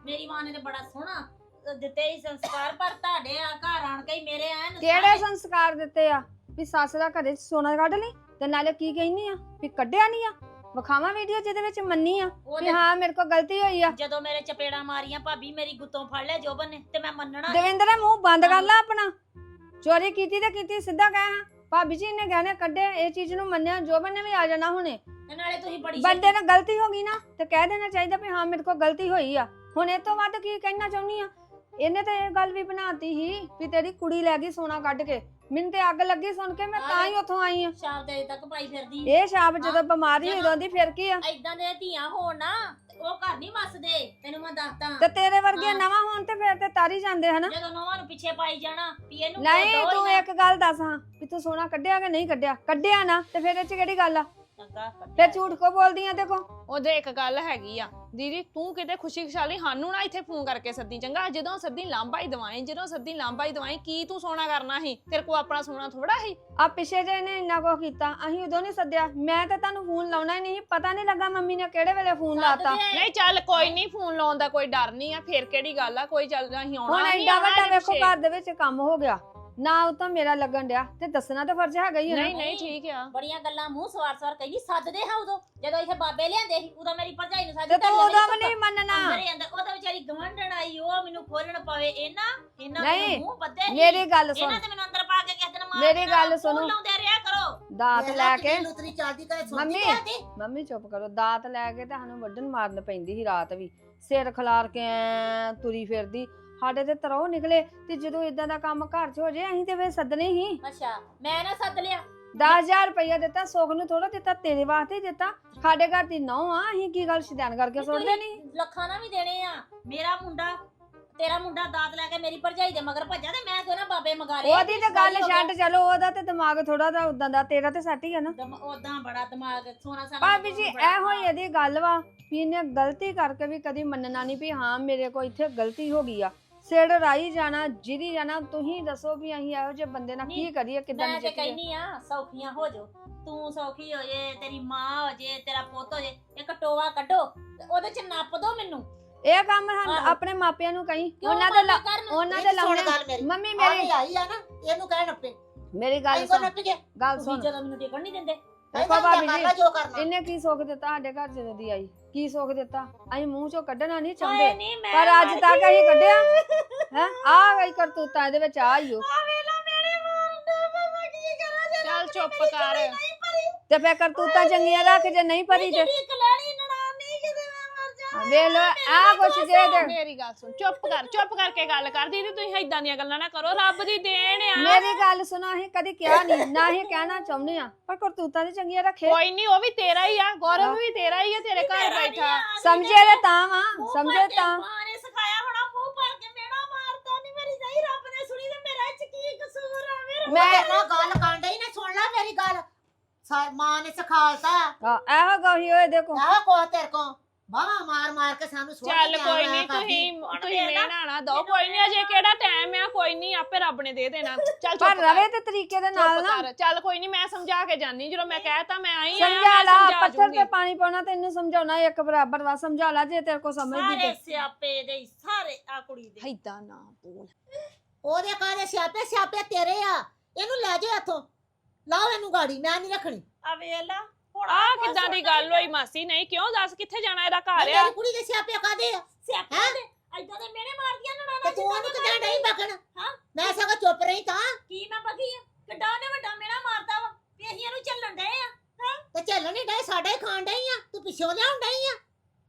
Speaker 5: ਮੇਰੀ ਮਾਂ ਨੇ ਤੇ ਬੜਾ ਸੋਹਣਾ ਅਹ, ਦਿੱਤੇ ਹੀ ਸੰਸਕਾਰ, ਪਰ ਤੁਹਾਡੇ ਆ ਘਰ ਆਣ ਕੇ ਹੀ ਮੇਰੇ ਐਨ
Speaker 2: ਕਿਹੜੇ ਸੰਸਕਾਰ ਦਿੱਤੇ ਆ ਵੀ ਸੱਸ ਦਾ ਘਰੇ ਸੋਨਾ ਕੱਢ ਲਈ ਤੇ ਨਾਲੇ ਕੀ ਕਹਿਨੀ ਆ ਵੀ ਕੱਢਿਆ ਨਹੀਂ ਆ ਵਿਖਾਵਾਂ ਵੀਡੀਓ ਜਿਹਦੇ ਵਿੱਚ ਮੰਨੀ ਆ
Speaker 5: ਉਹ
Speaker 2: ਵੀ
Speaker 5: ਤੇ
Speaker 2: ਹਾਂ ਮੇਰੇ ਕੋਲ ਗਲਤੀ ਹੋਈ ਆ।
Speaker 5: ਜਦੋਂ ਮੇਰੇ ਚਪੇੜਾਂ ਮਾਰੀਆਂ ਭਾਬੀ ਮੇਰੀ ਗੁੱਤੋਂ ਫੜ ਲਿਆ ਜੋਬਨ ਨੇ ਤੇ ਮੈਂ ਮੰਨਣਾ ਨੀ।
Speaker 2: ਦਵਿੰਦਰ ਮੂੰਹ ਬੰਦ ਕਰ ਲੈ ਆਪਣਾ। ਚੋਰੀ ਕੀਤੀ ਤੇ ਕੀਤੀ, ਸਿੱਧਾ ਕਹਿ ਹਾਂ ਭਾਬੀ ਜੀ ਨੇ ਗਹਿਣੇ ਕੱਢੇ, ਇਹ ਚੀਜ਼ ਨੂੰ ਮੰਨਿਆ। ਜੋਬਨ ਨੇ ਵੀ ਆ ਜਾਣਾ ਹੁਣੇ।
Speaker 5: ਤੇ ਨਾਲੇ ਤੁਸੀਂ ਬੜੀ
Speaker 2: ਬੰਦੇ ਨਾਲ ਗਲਤੀ ਹੋ ਗਈ ਨਾ ਤੇ ਕਹਿ ਦੇਣਾ ਚਾਹੀਦਾ ਵੀ ਹਾਂ ਮੇਰੇ ਕੋਲ ਗਲਤੀ ਹੋਈ ਆ। ਹੁਣ ਇਹ ਤੋਂ ਵੱਧ ਕੀ ਕਹਿਣਾ ਚਾਹੁੰਦੀ ਆ? ਇਹਨੇ ਤਾਂ ਇਹ ਗੱਲ ਵੀ ਬਣਾਤੀ ਸੀ ਵੀ ਤੇਰੀ ਕੁੜੀ ਲੈ ਗਈ ਸੋਨਾ ਕੱਢ ਕੇ। ਮੈਨੂੰ ਤੇ ਅੱਗ ਲੱਗੀ ਸੁਣ ਕੇ, ਮੈਂ ਤਾਂ ਹੀ ਉੱਥੋਂ ਆਈ ਆ।
Speaker 5: ਸ਼ਾਮ ਦੇ ਤੱਕ ਪਾਈ ਫਿਰਦੀ
Speaker 2: ਇਹ ਛਾਪ ਜਦੋਂ ਬਿਮਾਰੀ ਹੋਈ ਉਦੋਂ ਦੀ ਫਿਰ ਕੀ ਆ?
Speaker 5: ਐਦਾਂ ਦੇ ਧੀਆਂ ਹੋਣ ਨਾ ਤੇ ਉਹ ਘਰ ਨਹੀਂ ਵਸਦੇ, ਤੈਨੂੰ ਮੈਂ ਦੱਸਦਾ।
Speaker 2: ਤੇ ਤੇਰੇ ਵਰਗੇ
Speaker 5: ਹਾਂ।
Speaker 2: ਨਵਾਂ ਹੋਣ ਤੇ ਫਿਰ ਤੇ ਤਾਰੀ ਜਾਂਦੇ ਹਨਾ।
Speaker 5: ਜਦੋਂ ਨੌਵਾਂ ਨੂੰ ਪਿੱਛੇ ਪਾਈ ਜਾਣਾ ਵੀ ਇਹਨੂੰ
Speaker 2: ਨਹੀਂ
Speaker 5: ਦੋ ਹੀ
Speaker 2: ਤੂੰ
Speaker 5: ਨਾ।
Speaker 2: ਇੱਕ ਗੱਲ ਦੱਸ ਹਾਂ ਵੀ ਤੂੰ ਸੋਨਾ ਕੱਢਿਆ ਕਿ ਨਹੀਂ ਕੱਢਿਆ? ਕੱਢਿਆ ਨਾ ਤੇ ਫਿਰ ਇਹ ਚ ਕਿਹੜੀ ਗੱਲ ਆ?
Speaker 5: ਚੰਗਾ
Speaker 2: ਫਿਰ ਝੂਠ ਕੋ ਬੋਲਦੀ ਆ? ਦੇਖੋ
Speaker 4: ਉਹਦੇ ਇੱਕ ਗੱਲ ਹੈਗੀ ਆ ਦੀਦੀ, ਤੂੰ ਕਿਤੇ ਖੁਸ਼ੀ ਖੁਸ਼ਾਲੀ ਸਾਨੂੰ ਨਾ ਇੱਥੇ ਫੋਨ ਕਰਕੇ ਸੱਦੀ ਚੰਗਾ। ਜਦੋਂ ਸੱਦੀ ਲਾਂਭਾ ਹੀ ਦਵਾਈ, ਜਦੋਂ ਸੱਦੀ ਲਾਂਭਾ ਹੀ ਦਵਾਈ। ਕੀ ਤੂੰ ਸੋਨਾ ਕਰਨਾ ਸੀ? ਤੇਰੇ ਕੋ ਆਪਣਾ ਸੋਨਾ ਥੋੜਾ ਸੀ।
Speaker 2: ਆ ਪਿੱਛੇ ਜੇ ਨੇ ਇੰਨਾ ਕੁ ਕੀਤਾ, ਅਸੀਂ ਉਦੋਂ ਨਹੀਂ ਸੱਦਿਆ। ਮੈਂ ਤਾਂ ਤੁਹਾਨੂੰ ਫੋਨ ਲਾਉਣਾ ਹੀ ਨਹੀਂ, ਪਤਾ ਨਹੀਂ ਲੱਗਾ ਮੰਮੀ ਨੇ ਕਿਹੜੇ ਵੇਲੇ ਫੋਨ ਲਾਤਾ।
Speaker 4: ਨਹੀਂ ਚੱਲ ਕੋਈ ਨਹੀਂ, ਫੋਨ ਲਾਉਣ ਦਾ ਕੋਈ ਡਰ ਨਹੀਂ ਆ। ਫੇਰ ਕਿਹੜੀ ਗੱਲ ਆ, ਕੋਈ ਚੱਲ ਅਸੀਂ ਆਉਣਾ
Speaker 2: ਹੁਣ
Speaker 4: ਨਹੀਂ
Speaker 2: ਐਡਾ ਵੱਡਾ ਵੇਖੋ ਘਰ ਦੇ ਵਿੱਚ ਕੰਮ ਹੋ ਗਿਆ ਨਾ, ਉਹ ਤਾਂ ਮੇਰਾ ਲੱਗਣ ਡਿਆ ਤੇ ਦੱਸਣਾ ਤਾਂ ਫਰਜ਼ ਹੈਗਾ ਹੀ ਹੈ ਨਾ।
Speaker 4: ਨਹੀਂ ਨਹੀਂ ਠੀਕ ਆ।
Speaker 5: ਬੜੀਆਂ ਗੱਲਾਂ ਮੂੰਹ ਸਵਾਰ ਸਵਾਰ ਕਹਿੰਦੀ ਸੱਦਦੇ ਹਾਂ ਉਦੋਂ ਜਦੋਂ ਇੱਥੇ ਬਾਬੇ ਲਿਆਂਦੇ ਸੀ, ਉਦੋਂ ਮੇਰੀ ਭਰਜਾਈ ਨੂੰ
Speaker 2: ਤੇ
Speaker 5: ਸੱਦਦੇ
Speaker 2: ਤੂੰ ਉਦੋਂ ਵੀ ਨਹੀਂ ਮੰਨਣਾ।
Speaker 5: ਅੰਦਰੇ ਅੰਦਰ ਉਹ ਤਾਂ ਵਿਚਾਰੀ ਗਵੰਡਣ ਆਈ, ਉਹ ਮੈਨੂੰ ਖੋਲਣ ਪਵੇ। ਇਹਨਾਂ ਇਹਨਾਂ
Speaker 2: ਨਹੀਂ,
Speaker 5: ਮੈਨੂੰ ਮੂੰਹ ਬੱਦੇ ਸੀ।
Speaker 2: ਮੇਰੀ ਗੱਲ ਸੁਣ,
Speaker 5: ਇਹਨਾਂ ਤੇ ਮੈਨੂੰ ਅੰਦਰ ਪਾ ਕੇ ਕਿਸੇ ਦਿਨ ਮਾਰ
Speaker 2: ਮੇਰੀ
Speaker 5: ਦੇਣਾ।
Speaker 2: ਗੱਲ ਸੁਣੋ।
Speaker 5: ਫੋਨ ਲਾਉਂਦੇ ਰਿਹਾ ਕਰੋ।
Speaker 2: ਦਾਤ ਲੈ ਕੇ
Speaker 6: ਲੁਤਰੀ ਚੱਲਦੀ ਕਰੇ ਸੁਣਦੀ
Speaker 2: ਮੰਮੀ
Speaker 6: ਜਾਂਦੀ
Speaker 2: ਮੰਮੀ ਚੁੱਪ ਕਰੋ। ਦਾਤ ਲੈ ਕੇ ਤਾਂ ਸਾਨੂੰ ਵੱਢਣ ਮਾਰਨ ਪੈਂਦੀ ਸੀ ਰਾਤ ਵੀ, ਸਿਰ ਖਿਲਾਰ ਕੇ ਐਂ ਤੁਰੀ ਫਿਰਦੀ। ਸਾਡੇ ਤੇ ਤਰੋ ਨਿਕਲੇ ਤੇ ਜਦੋਂ ਇਦਾਂ ਦਾ ਕੰਮ ਘਰ 'ਚ ਹੋ ਜੇ ਅਸੀਂ ਤੇ ਫੇਰ ਸੱਦਣੇ ਹੀ।
Speaker 5: ਅੱਛਾ ਮੈਂ ਨਾ ਸੱਦ ਲਿਆ।
Speaker 2: ਦਸ ਹਜ਼ਾਰ ਰੁਪਇਆ ਦਿੱਤਾ, ਸੁੱਖ ਨੂੰ ਥੋੜਾ ਦਿੱਤਾ, ਤੇਰੇ ਵਾਸਤੇ ਹੀ ਦਿੱਤਾ। ਸਾਡੇ ਘਰ ਦੀ ਨੌ ਆ, ਅਸੀਂ ਕੀ ਗੱਲ ਸ਼ਿਦਾਨ ਕਰਕੇ ਸੁੱਟਦੇ ਨਹੀਂ?
Speaker 5: ਲੱਖਾਂ ਨਾ ਵੀ ਦੇਣੇ ਆ। ਮੇਰਾ ਮੁੰਡਾ ਤੇਰਾ ਮੁੰਡਾ ਦਾਤ ਲੈ ਕੇ ਮੇਰੀ ਭਰਜਾਈ ਦੇ ਮਗਰ ਭੱਜਾ ਤੇ ਮੈਂ ਕਿਉਂ ਨਾ ਬਾਬੇ ਮਗਾਰੇ।
Speaker 2: ਉਹਦੀ ਤਾਂ ਗੱਲ ਛੱਡ, ਚਲੋ ਉਹਦਾ ਤੇ ਦਿਮਾਗ ਥੋੜਾ ਜਿਹਾ ਉਦਾਂ ਦਾ, ਤੇਰਾ ਤੇ ਸੱਟ ਹੀ ਆ ਨਾ।
Speaker 5: ਉਦਾਂ ਬੜਾ ਦਿਮਾਗ ਸੋਨਾ ਸਾਨਾ।
Speaker 2: ਭਾਬੀ ਜੀ ਇਹੋ ਹੀ ਇਹਦੀ ਗੱਲ ਵਾ ਵੀ ਇਹਨੇ ਗਲਤੀ ਕਰਕੇ ਵੀ ਕਦੀ ਮੰਨਣਾ ਨਹੀਂ ਵੀ ਹਾਂ ਮੇਰੇ ਕੋਲ ਇੱਥੇ ਗਲਤੀ ਹੋ ਗਈ ਆ। ਸਿਰ ਰਾਈ ਜਾਣਾ, ਜਿਰੀ ਜਾਣਾ। ਤੁਸੀਂ ਦੱਸੋ ਵੀ ਅਸੀਂ ਇਹੋ ਜਿਹੇ ਬੰਦੇ ਨਾਲ ਕੀ ਕਰੀਏ, ਕਿੱਦਾਂ
Speaker 5: ਮੈਂ ਤੇ
Speaker 2: ਨਜਿੱਠੀਏ?
Speaker 5: ਕਹਿਨੀ ਆ ਸੌਖੀਆਂ ਹੋ ਜਾਓ। ਤੂੰ ਸੌਖੀ ਹੋ ਜੇ, ਤੇਰੀ ਮਾਂ ਹੋ ਜੇ, ਤੇਰਾ ਪੁੱਤ ਹੋ ਜੇ, ਇੱਕ ਟੋਆ ਕੱਢੋ ਤੇ ਉਹਦੇ ਚ ਨੱਪ ਦੋ ਮੈਨੂੰ।
Speaker 2: ਇਹ ਕੰਮ ਸਾਨੂੰ
Speaker 5: ਆਹੋ।
Speaker 2: ਆਪਣੇ ਮਾਪਿਆਂ ਨੂੰ ਕਹੀਂ,
Speaker 5: ਕਿਉਂ
Speaker 2: ਉਹਨਾਂ ਦੇ ਲਾ-
Speaker 5: ਮਾਪੇ ਕਰਨ?
Speaker 2: ਉਹਨਾਂ ਦੇ
Speaker 6: ਸੁਣ
Speaker 2: ਲਾਉਣੇ।
Speaker 6: ਗੱਲ ਮੇਰੀ
Speaker 2: ਮੰਮੀ
Speaker 6: ਮੇਰੀ
Speaker 2: ਮੇਰੀ
Speaker 6: ਆਈ ਆ ਨਾ, ਇਹਨੂੰ ਕਹਿ ਨੱਪੇ
Speaker 2: ਮੇਰੀ ਗੱਲ
Speaker 6: ਆਈ ਕੋ
Speaker 2: ਸੁਣ,
Speaker 6: ਨੱਪ ਕੇ
Speaker 2: ਗੱਲ
Speaker 5: ਤੁਸੀਂ
Speaker 2: ਸੁਣ।
Speaker 5: ਜਦੋਂ ਮੈਨੂੰ ਟਿਕਣ ਨਹੀਂ ਦਿੰਦੇ।
Speaker 2: ਦੇਖੋ ਭਾਬੀ
Speaker 6: ਕਰ
Speaker 2: ਜੀ,
Speaker 6: ਲੈ ਜੋ ਕਰਨਾ।
Speaker 2: ਇਹਨੇ ਕੀ ਸੁੱਖ ਦਿੱਤਾ ਸਾਡੇ ਘਰ ਜਦੋਂ ਦੀ ਆਈ? ਕੀ ਸੁੱਖ ਦਿੱਤਾ? ਅਸੀਂ ਮੂੰਹ ਚੋਂ ਕੱਢਣਾ ਨਹੀਂ
Speaker 5: ਹਾਏ
Speaker 2: ਚਾਹੁੰਦੇ,
Speaker 5: ਨਹੀਂ ਮੈਂ
Speaker 2: ਪਰ ਅੱਜ
Speaker 5: ਮਰ
Speaker 2: ਤੱਕ
Speaker 5: ਗਈ।
Speaker 2: ਅਸੀਂ ਕੱਢਿਆ ਹੈ। ਆ ਗਈ ਕਰਤੂਤਾਂ ਇਹਦੇ ਵਿੱਚ, ਆ ਹੀ ਓ।
Speaker 5: ਆ ਵੇਲਾ ਮੇਰੇ ਮਾਰਦਾ ਬਾਬਾ ਕੀ ਕਰਾਂ ਜੇ
Speaker 4: ਚੱਲ ਚੁੱਪ ਕਰ।
Speaker 5: ਨਹੀਂ ਭਰੀ
Speaker 2: ਤੇ ਫੇਰ ਕਰਤੂਤਾਂ ਚੰਗੀਆਂ ਰੱਖ, ਜੇ ਨਹੀਂ ਭਰੀ ਤੇ
Speaker 5: ਜਿਹੜੀ ਕਲੈਣੀ ਨਨਾਣ ਨਹੀਂ ਕਿਤੇ ਮੈਂ ਮਰ ਜਾ।
Speaker 2: ਵੇਖ ਲੋ ਆ ਕੁਛ ਜੇ ਤੇ
Speaker 4: ਮੇਰੀ ਗੱਲ ਸੁਣ, ਚੁੱਪ ਕਰ, ਚੁੱਪ ਕਰਕੇ ਗੱਲ ਕਰ। ਦੀਦੀ ਤੁਸੀਂ ਏਦਾਂ ਦੀਆਂ ਗੱਲਾਂ ਨਾ ਕਰੋ, ਰੱਬ ਦੀ ਦੇਣ ਆ।
Speaker 2: ਮੇਰੀ ਗੱਲ ਸੁਣੋ, ਅਸੀਂ ਕਦੀ ਕਿਹਾ ਨਹੀਂ, ਨਾ ਹੀ ਕਹਿਣਾ ਚਾਹੁੰਦੇ ਆ, ਪਰ ਕਰਤੂਤਾਂ ਦੀ ਚੰਗੀਆਂ ਰੱਖੇ।
Speaker 4: ਕੋਈ ਨਹੀਂ, ਉਹ ਵੀ ਤੇਰਾ ਹੀ ਆ। ਗੌਰਵ ਵੀ ਤੇਰਾ ਹੀ ਆ, ਤੇਰੇ ਘਰ ਬੈਠਾ।
Speaker 2: ਸਮਝੇ ਤੇ ਤਾਂ ਵਾ, ਸਮਝੇ ਤਾਂ।
Speaker 5: ਮਾਂ ਨੇ ਸਿਖਾਇਆ ਹੋਣਾ ਮੂੰਹ ਭਰ ਕੇ ਮੇਣਾ ਮਾਰਦਾ ਨਹੀਂ ਮੇਰੀ ਨਹੀਂ। ਰੱਬ ਨੇ ਸੁਣੀ ਤੇ ਮੇਰਾ ਇਹ ਚ ਕੀ ਕਸੂਰ ਆ? ਮੇਰੇ
Speaker 2: ਮੈਂ
Speaker 6: ਮੈਂ ਗੱਲ ਕਾਂਡੇ ਹੀ ਨਾ ਸੁਣ ਲੈ ਮੇਰੀ ਗੱਲ। ਸਾ- ਮਾਂ ਨੇ ਸਿਖਾਲਤਾ
Speaker 2: ਆ, ਇਹੋ ਗੋਹੀ ਹੋਏ ਦੇਖੋ।
Speaker 6: ਆਹ ਕੋ ਤੇਰੇ ਕੋ ਬਾਵਾ ਮਾਰ ਮਾਰ ਕੇ ਸਾਨੂੰ ਸੁਣ
Speaker 4: ਚੱਲ ਕੋਈ ਨਹੀਂ, ਤੁਸੀਂ ਤੁਸੀਂ ਮੇਣਾ ਨਾ ਦੋ। ਕੋਈ ਨਹੀਂ, ਅਜੇ ਕਿਹੜਾ ਟਾਈਮ ਆ। ਕੋਈ ਨਹੀਂ, ਆਪੇ ਰੱਬ ਨੇ ਦੇ ਦੇਣਾ। ਚੱਲ
Speaker 2: ਪਰ
Speaker 4: ਚੁੱਪ
Speaker 2: ਰਵੇ
Speaker 4: ਕਰ,
Speaker 2: ਤੇ ਤਰੀਕੇ ਦੇ ਨਾਲ
Speaker 4: ਚੁੱਪ
Speaker 2: ਨਾ
Speaker 4: ਕਰ। ਚੱਲ ਕੋਈ ਨਹੀਂ, ਮੈਂ ਸਮਝਾ ਕੇ ਜਾਨੀ। ਜਦੋਂ ਮੈਂ ਕਹਿਤਾ ਮੈਂ ਆਈ ਆ,
Speaker 2: ਸਮਝਾ
Speaker 4: ਮੈਂ
Speaker 2: ਲਾ।
Speaker 4: ਸਮਝਾ
Speaker 2: ਪੱਥਰ
Speaker 4: ਜੂੰਗੀ।
Speaker 2: ਤੇ ਪਾਣੀ ਪਾਉਣਾ ਤੈਨੂੰ ਸਮਝਾਉਣਾ ਇੱਕ ਬਰਾਬਰ ਵਾ। ਸਮਝਾ ਲਾ ਜੇ ਤੇਰੇ ਕੋ ਸਮਝਦੀ
Speaker 5: ਸਾਰੇ
Speaker 2: ਤੇ।
Speaker 5: ਸਿਆਪੇ ਦੇ ਹੀ, ਸਾਰੇ ਆ ਕੁੜੀ ਦੇ।
Speaker 4: ਏਦਾਂ ਨਾ ਬੋਲ।
Speaker 6: ਉਹਦੇ ਕਾਹਦੇ ਸਿਆਪੇ ਸਿਆਪੇ ਤੇਰੇ ਆ। ਇਹਨੂੰ ਲੈ ਜਾ ਇੱਥੋਂ, ਲਾਓ ਇਹਨੂੰ ਗਾੜੀ, ਮੈਂ ਨਹੀਂ ਰੱਖਣੀ।
Speaker 5: ਆ ਵੇਲਾ ਹੁਣ
Speaker 4: ਆ ਕਿੱਦਾਂ ਦੀ ਗੱਲ ਹੋਈ ਮਾਸੀ? ਨਹੀਂ ਕਿਉਂ ਦੱਸ, ਕਿੱਥੇ ਜਾਣਾ? ਇਹਦਾ ਘਰ ਆ।
Speaker 6: ਮੇਰੀ ਕੁੜੀ ਦੇ ਸਿਆਪੇ ਕਾਹਦੇ ਆ?
Speaker 5: ਸਿਆਪੇ
Speaker 6: ਹੈਂ?
Speaker 5: ਦੇ ਐਦਾਂ ਦੇ ਮੇਨੇ ਮਾਰਦੀਆਂ
Speaker 6: ਤੇ
Speaker 5: ਨਨਾਣਾ
Speaker 6: ਤੂੰ ਉਹਨੂੰ ਕਿਦਾਂ ਨਹੀਂ ਬਕਣ?
Speaker 5: ਹਾਂ?
Speaker 6: ਮੈਂ ਸਗੋਂ ਚੁੱਪ ਰਹੀ ਤਾਂ।
Speaker 5: ਕੀ ਮੈਂ ਬਗੀ ਆ? ਕਿੱਡਾ ਉਹਨੇ ਵੱਡਾ ਮੇਣਾ ਮਾਰਦਾ ਵਾ ਵੀ ਅਸੀਂ ਇਹਨੂੰ ਚੱਲਣ ਡਏ ਆ।
Speaker 6: ਤੇ ਚੱਲਣ ਨਹੀਂ ਡੇ, ਸਾਡਾ ਹੀ ਖਾਣ ਡਈ ਆ। ਤੂੰ ਪਿੱਛੋਂ ਲਿਆਉਣ ਡਈ ਆ।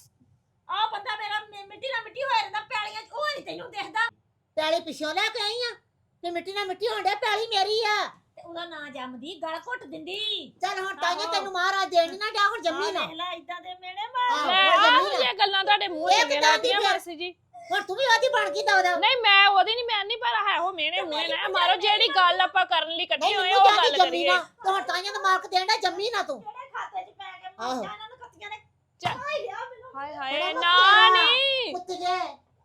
Speaker 5: ਆ ਬੰਦਾ ਮੇਰਾ ਮਿ- ਮਿੱਟੀ ਨਾਲ ਮਿੱਟੀ ਹੋਇਆ ਰਹਿੰਦਾ ਪੈਲੀਆਂ 'ਚ, ਉਹ ਨਹੀਂ ਤੈਨੂੰ ਦੇਖਦਾ।
Speaker 6: ਪੈਲੀ ਪਿੱਛੋਂ ਲੈ ਕੇ ਆਈ ਆ ਤੇ ਮਿੱਟੀ ਨਾਲ ਮਿੱਟੀ ਹੋਣ ਡਿਆ। ਪੈਲੀ ਮੇਰੀ ਆ।
Speaker 5: ਤੇ ਉਹਦਾ ਨਾਂ ਜੰਮਦੀ ਗਲ ਘੁੱਟ ਦਿੰਦੀ।
Speaker 6: ਚੱਲ ਹੁਣ ਤਾਈਆਂ
Speaker 5: ਆਹੋ।
Speaker 6: ਤੈਨੂੰ ਮਹਾਰਾਜ ਦੇਣ ਨੀ ਨਾ ਡਿਆ, ਹੁਣ ਜੰਮੀ ਨਾ।
Speaker 5: ਦੇਖ ਲੈ ਇਦਾਂ ਦੇ ਮੇਣੇ
Speaker 6: ਆਹੋ,
Speaker 5: ਮਾਰ।
Speaker 4: ਲੈ
Speaker 6: ਹੁਣ
Speaker 4: ਆਹ
Speaker 6: ਜੰਮੀ ਨਾ।
Speaker 4: ਇਹ ਗੱਲਾਂ ਤੁਹਾਡੇ ਮੂੰਹ
Speaker 6: ਇਹ
Speaker 4: ਚੰਗੇ
Speaker 6: ਕਿੱਦਾਂ ਦੀ
Speaker 4: ਲੱਗਦੀਆਂ
Speaker 6: ਫਿਰ?
Speaker 4: ਮਾਸੀ ਜੀ।
Speaker 6: ਹੁਣ ਤੂੰ ਵੀ ਉਹਦੀ ਬਣ ਗਈ ਦਵਦਾ।
Speaker 4: ਨਹੀਂ ਮੈਂ ਉਹਦੀ ਨਹੀਂ, ਮੈਂ ਨਹੀਂ, ਪਰ ਹੈ ਉਹ ਮੇਨੇ ਮੂਹੇ ਨਾ ਮਾਰੋ। ਜਿਹੜੀ ਗੱਲ ਆਪਾਂ ਕਰਨ ਲਈ ਇਕੱਠੇ
Speaker 6: ਨਹੀਂ
Speaker 4: ਹੋਏ
Speaker 6: ਮੈਨੂੰ
Speaker 4: ਉਹ
Speaker 6: ਜਾਨੀ
Speaker 4: ਗੱਲ
Speaker 6: ਜੰਮੀ
Speaker 4: ਕਰੀਏ।
Speaker 6: ਨਾ। ਤੇ ਹੁਣ ਤਾਈਆਂ ਦਾ ਮਾਰਕ ਦੇਣ ਡਿਆ, ਜੰਮੀ ਨਾ ਤੂੰ।
Speaker 5: ਜਿਹੜੇ ਖਾਤੇ 'ਚ ਪੈ ਕੇ
Speaker 6: ਆਹੋ।
Speaker 5: ਮਰ ਜਾ ਇਹਨਾਂ ਨੂੰ ਖੱਤੀਆਂ ਨੇ।
Speaker 4: ਚੱਲ।
Speaker 5: ਆਈ ਲਿਆ ਮੈਨੂੰ।
Speaker 4: ਹਾਏ
Speaker 6: ਬੜਾ
Speaker 4: ਹਾਏ
Speaker 6: ਵਕਤ
Speaker 4: ਨਾ
Speaker 6: ਆ।
Speaker 4: ਨਹੀਂ।
Speaker 6: ਕੁੱਤ ਜੇ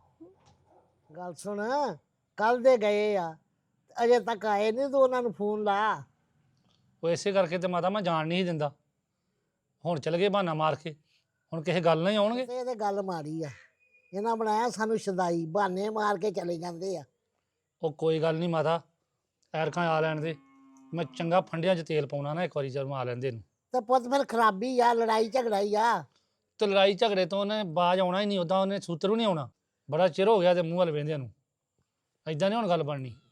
Speaker 7: ਗੱਲ ਸੁਣ, ਕੱਲ ਦੇ ਗਏ ਆ, ਅਜੇ ਤੱਕ ਆਏ ਨਹੀਂ। ਤੂੰ ਉਹਨਾਂ ਨੂੰ ਫੋਨ ਲਾ।
Speaker 8: ਉਹ ਇਸੇ ਕਰਕੇ ਤੇ ਮਾਤਾ ਮੈਂ ਜਾਣ ਨਹੀਂ ਸੀ ਦਿੰਦਾ। ਹੁਣ ਚਲ ਗਏ ਬਹਾਨਾ ਮਾਰ ਕੇ, ਹੁਣ ਕਿਸੇ ਗੱਲ ਨਹੀਂ ਆਉਣਗੇ।
Speaker 7: ਤੇ ਇਹਦੇ ਗੱਲ ਮਾਰੀ ਆ। ਇਹਨਾਂ ਬਣਾਇਆ ਸਾਨੂੰ ਸ਼ਦਾਈ, ਬਹਾਨੇ ਮਾਰ ਕੇ ਚਲੇ ਜਾਂਦੇ ਆ।
Speaker 8: ਉਹ ਕੋਈ ਗੱਲ ਨਹੀਂ ਮਾਤਾ, ਐਰਕਾਂ ਆ ਲੈਣ ਦੇ, ਮੈਂ ਚੰਗਾ ਫੰਡਿਆਂ 'ਚ ਤੇਲ ਪਾਉਣਾ ਨਾ ਇੱਕ ਵਾਰੀ ਜਦੋਂ ਆ ਲੈਂਦੇ ਨੂੰ।
Speaker 7: ਤੇ ਪੁੱਤ ਫਿਰ ਖਰਾਬੀ ਆ, ਲੜਾਈ ਝਗੜਾ ਹੀ ਆ।
Speaker 8: ਤੇ ਲੜਾਈ ਝਗੜੇ ਤੋਂ ਉਹਨੇ ਬਾਜ ਆਉਣਾ ਹੀ ਨਹੀਂ, ਉਦਾਂ ਉਹਨੇ ਸੂਤਰ ਵੀ ਨਹੀਂ ਆਉਣਾ। ਬੜਾ ਚਿਰ ਹੋ ਗਿਆ ਤੇ ਮੂੰਹ ਵੱਲ ਵੇਂਦਿਆਂ ਨੂੰ। ਐਦਾਂ ਨਹੀਂ ਹੁਣ ਗੱਲ ਬਣਨੀ।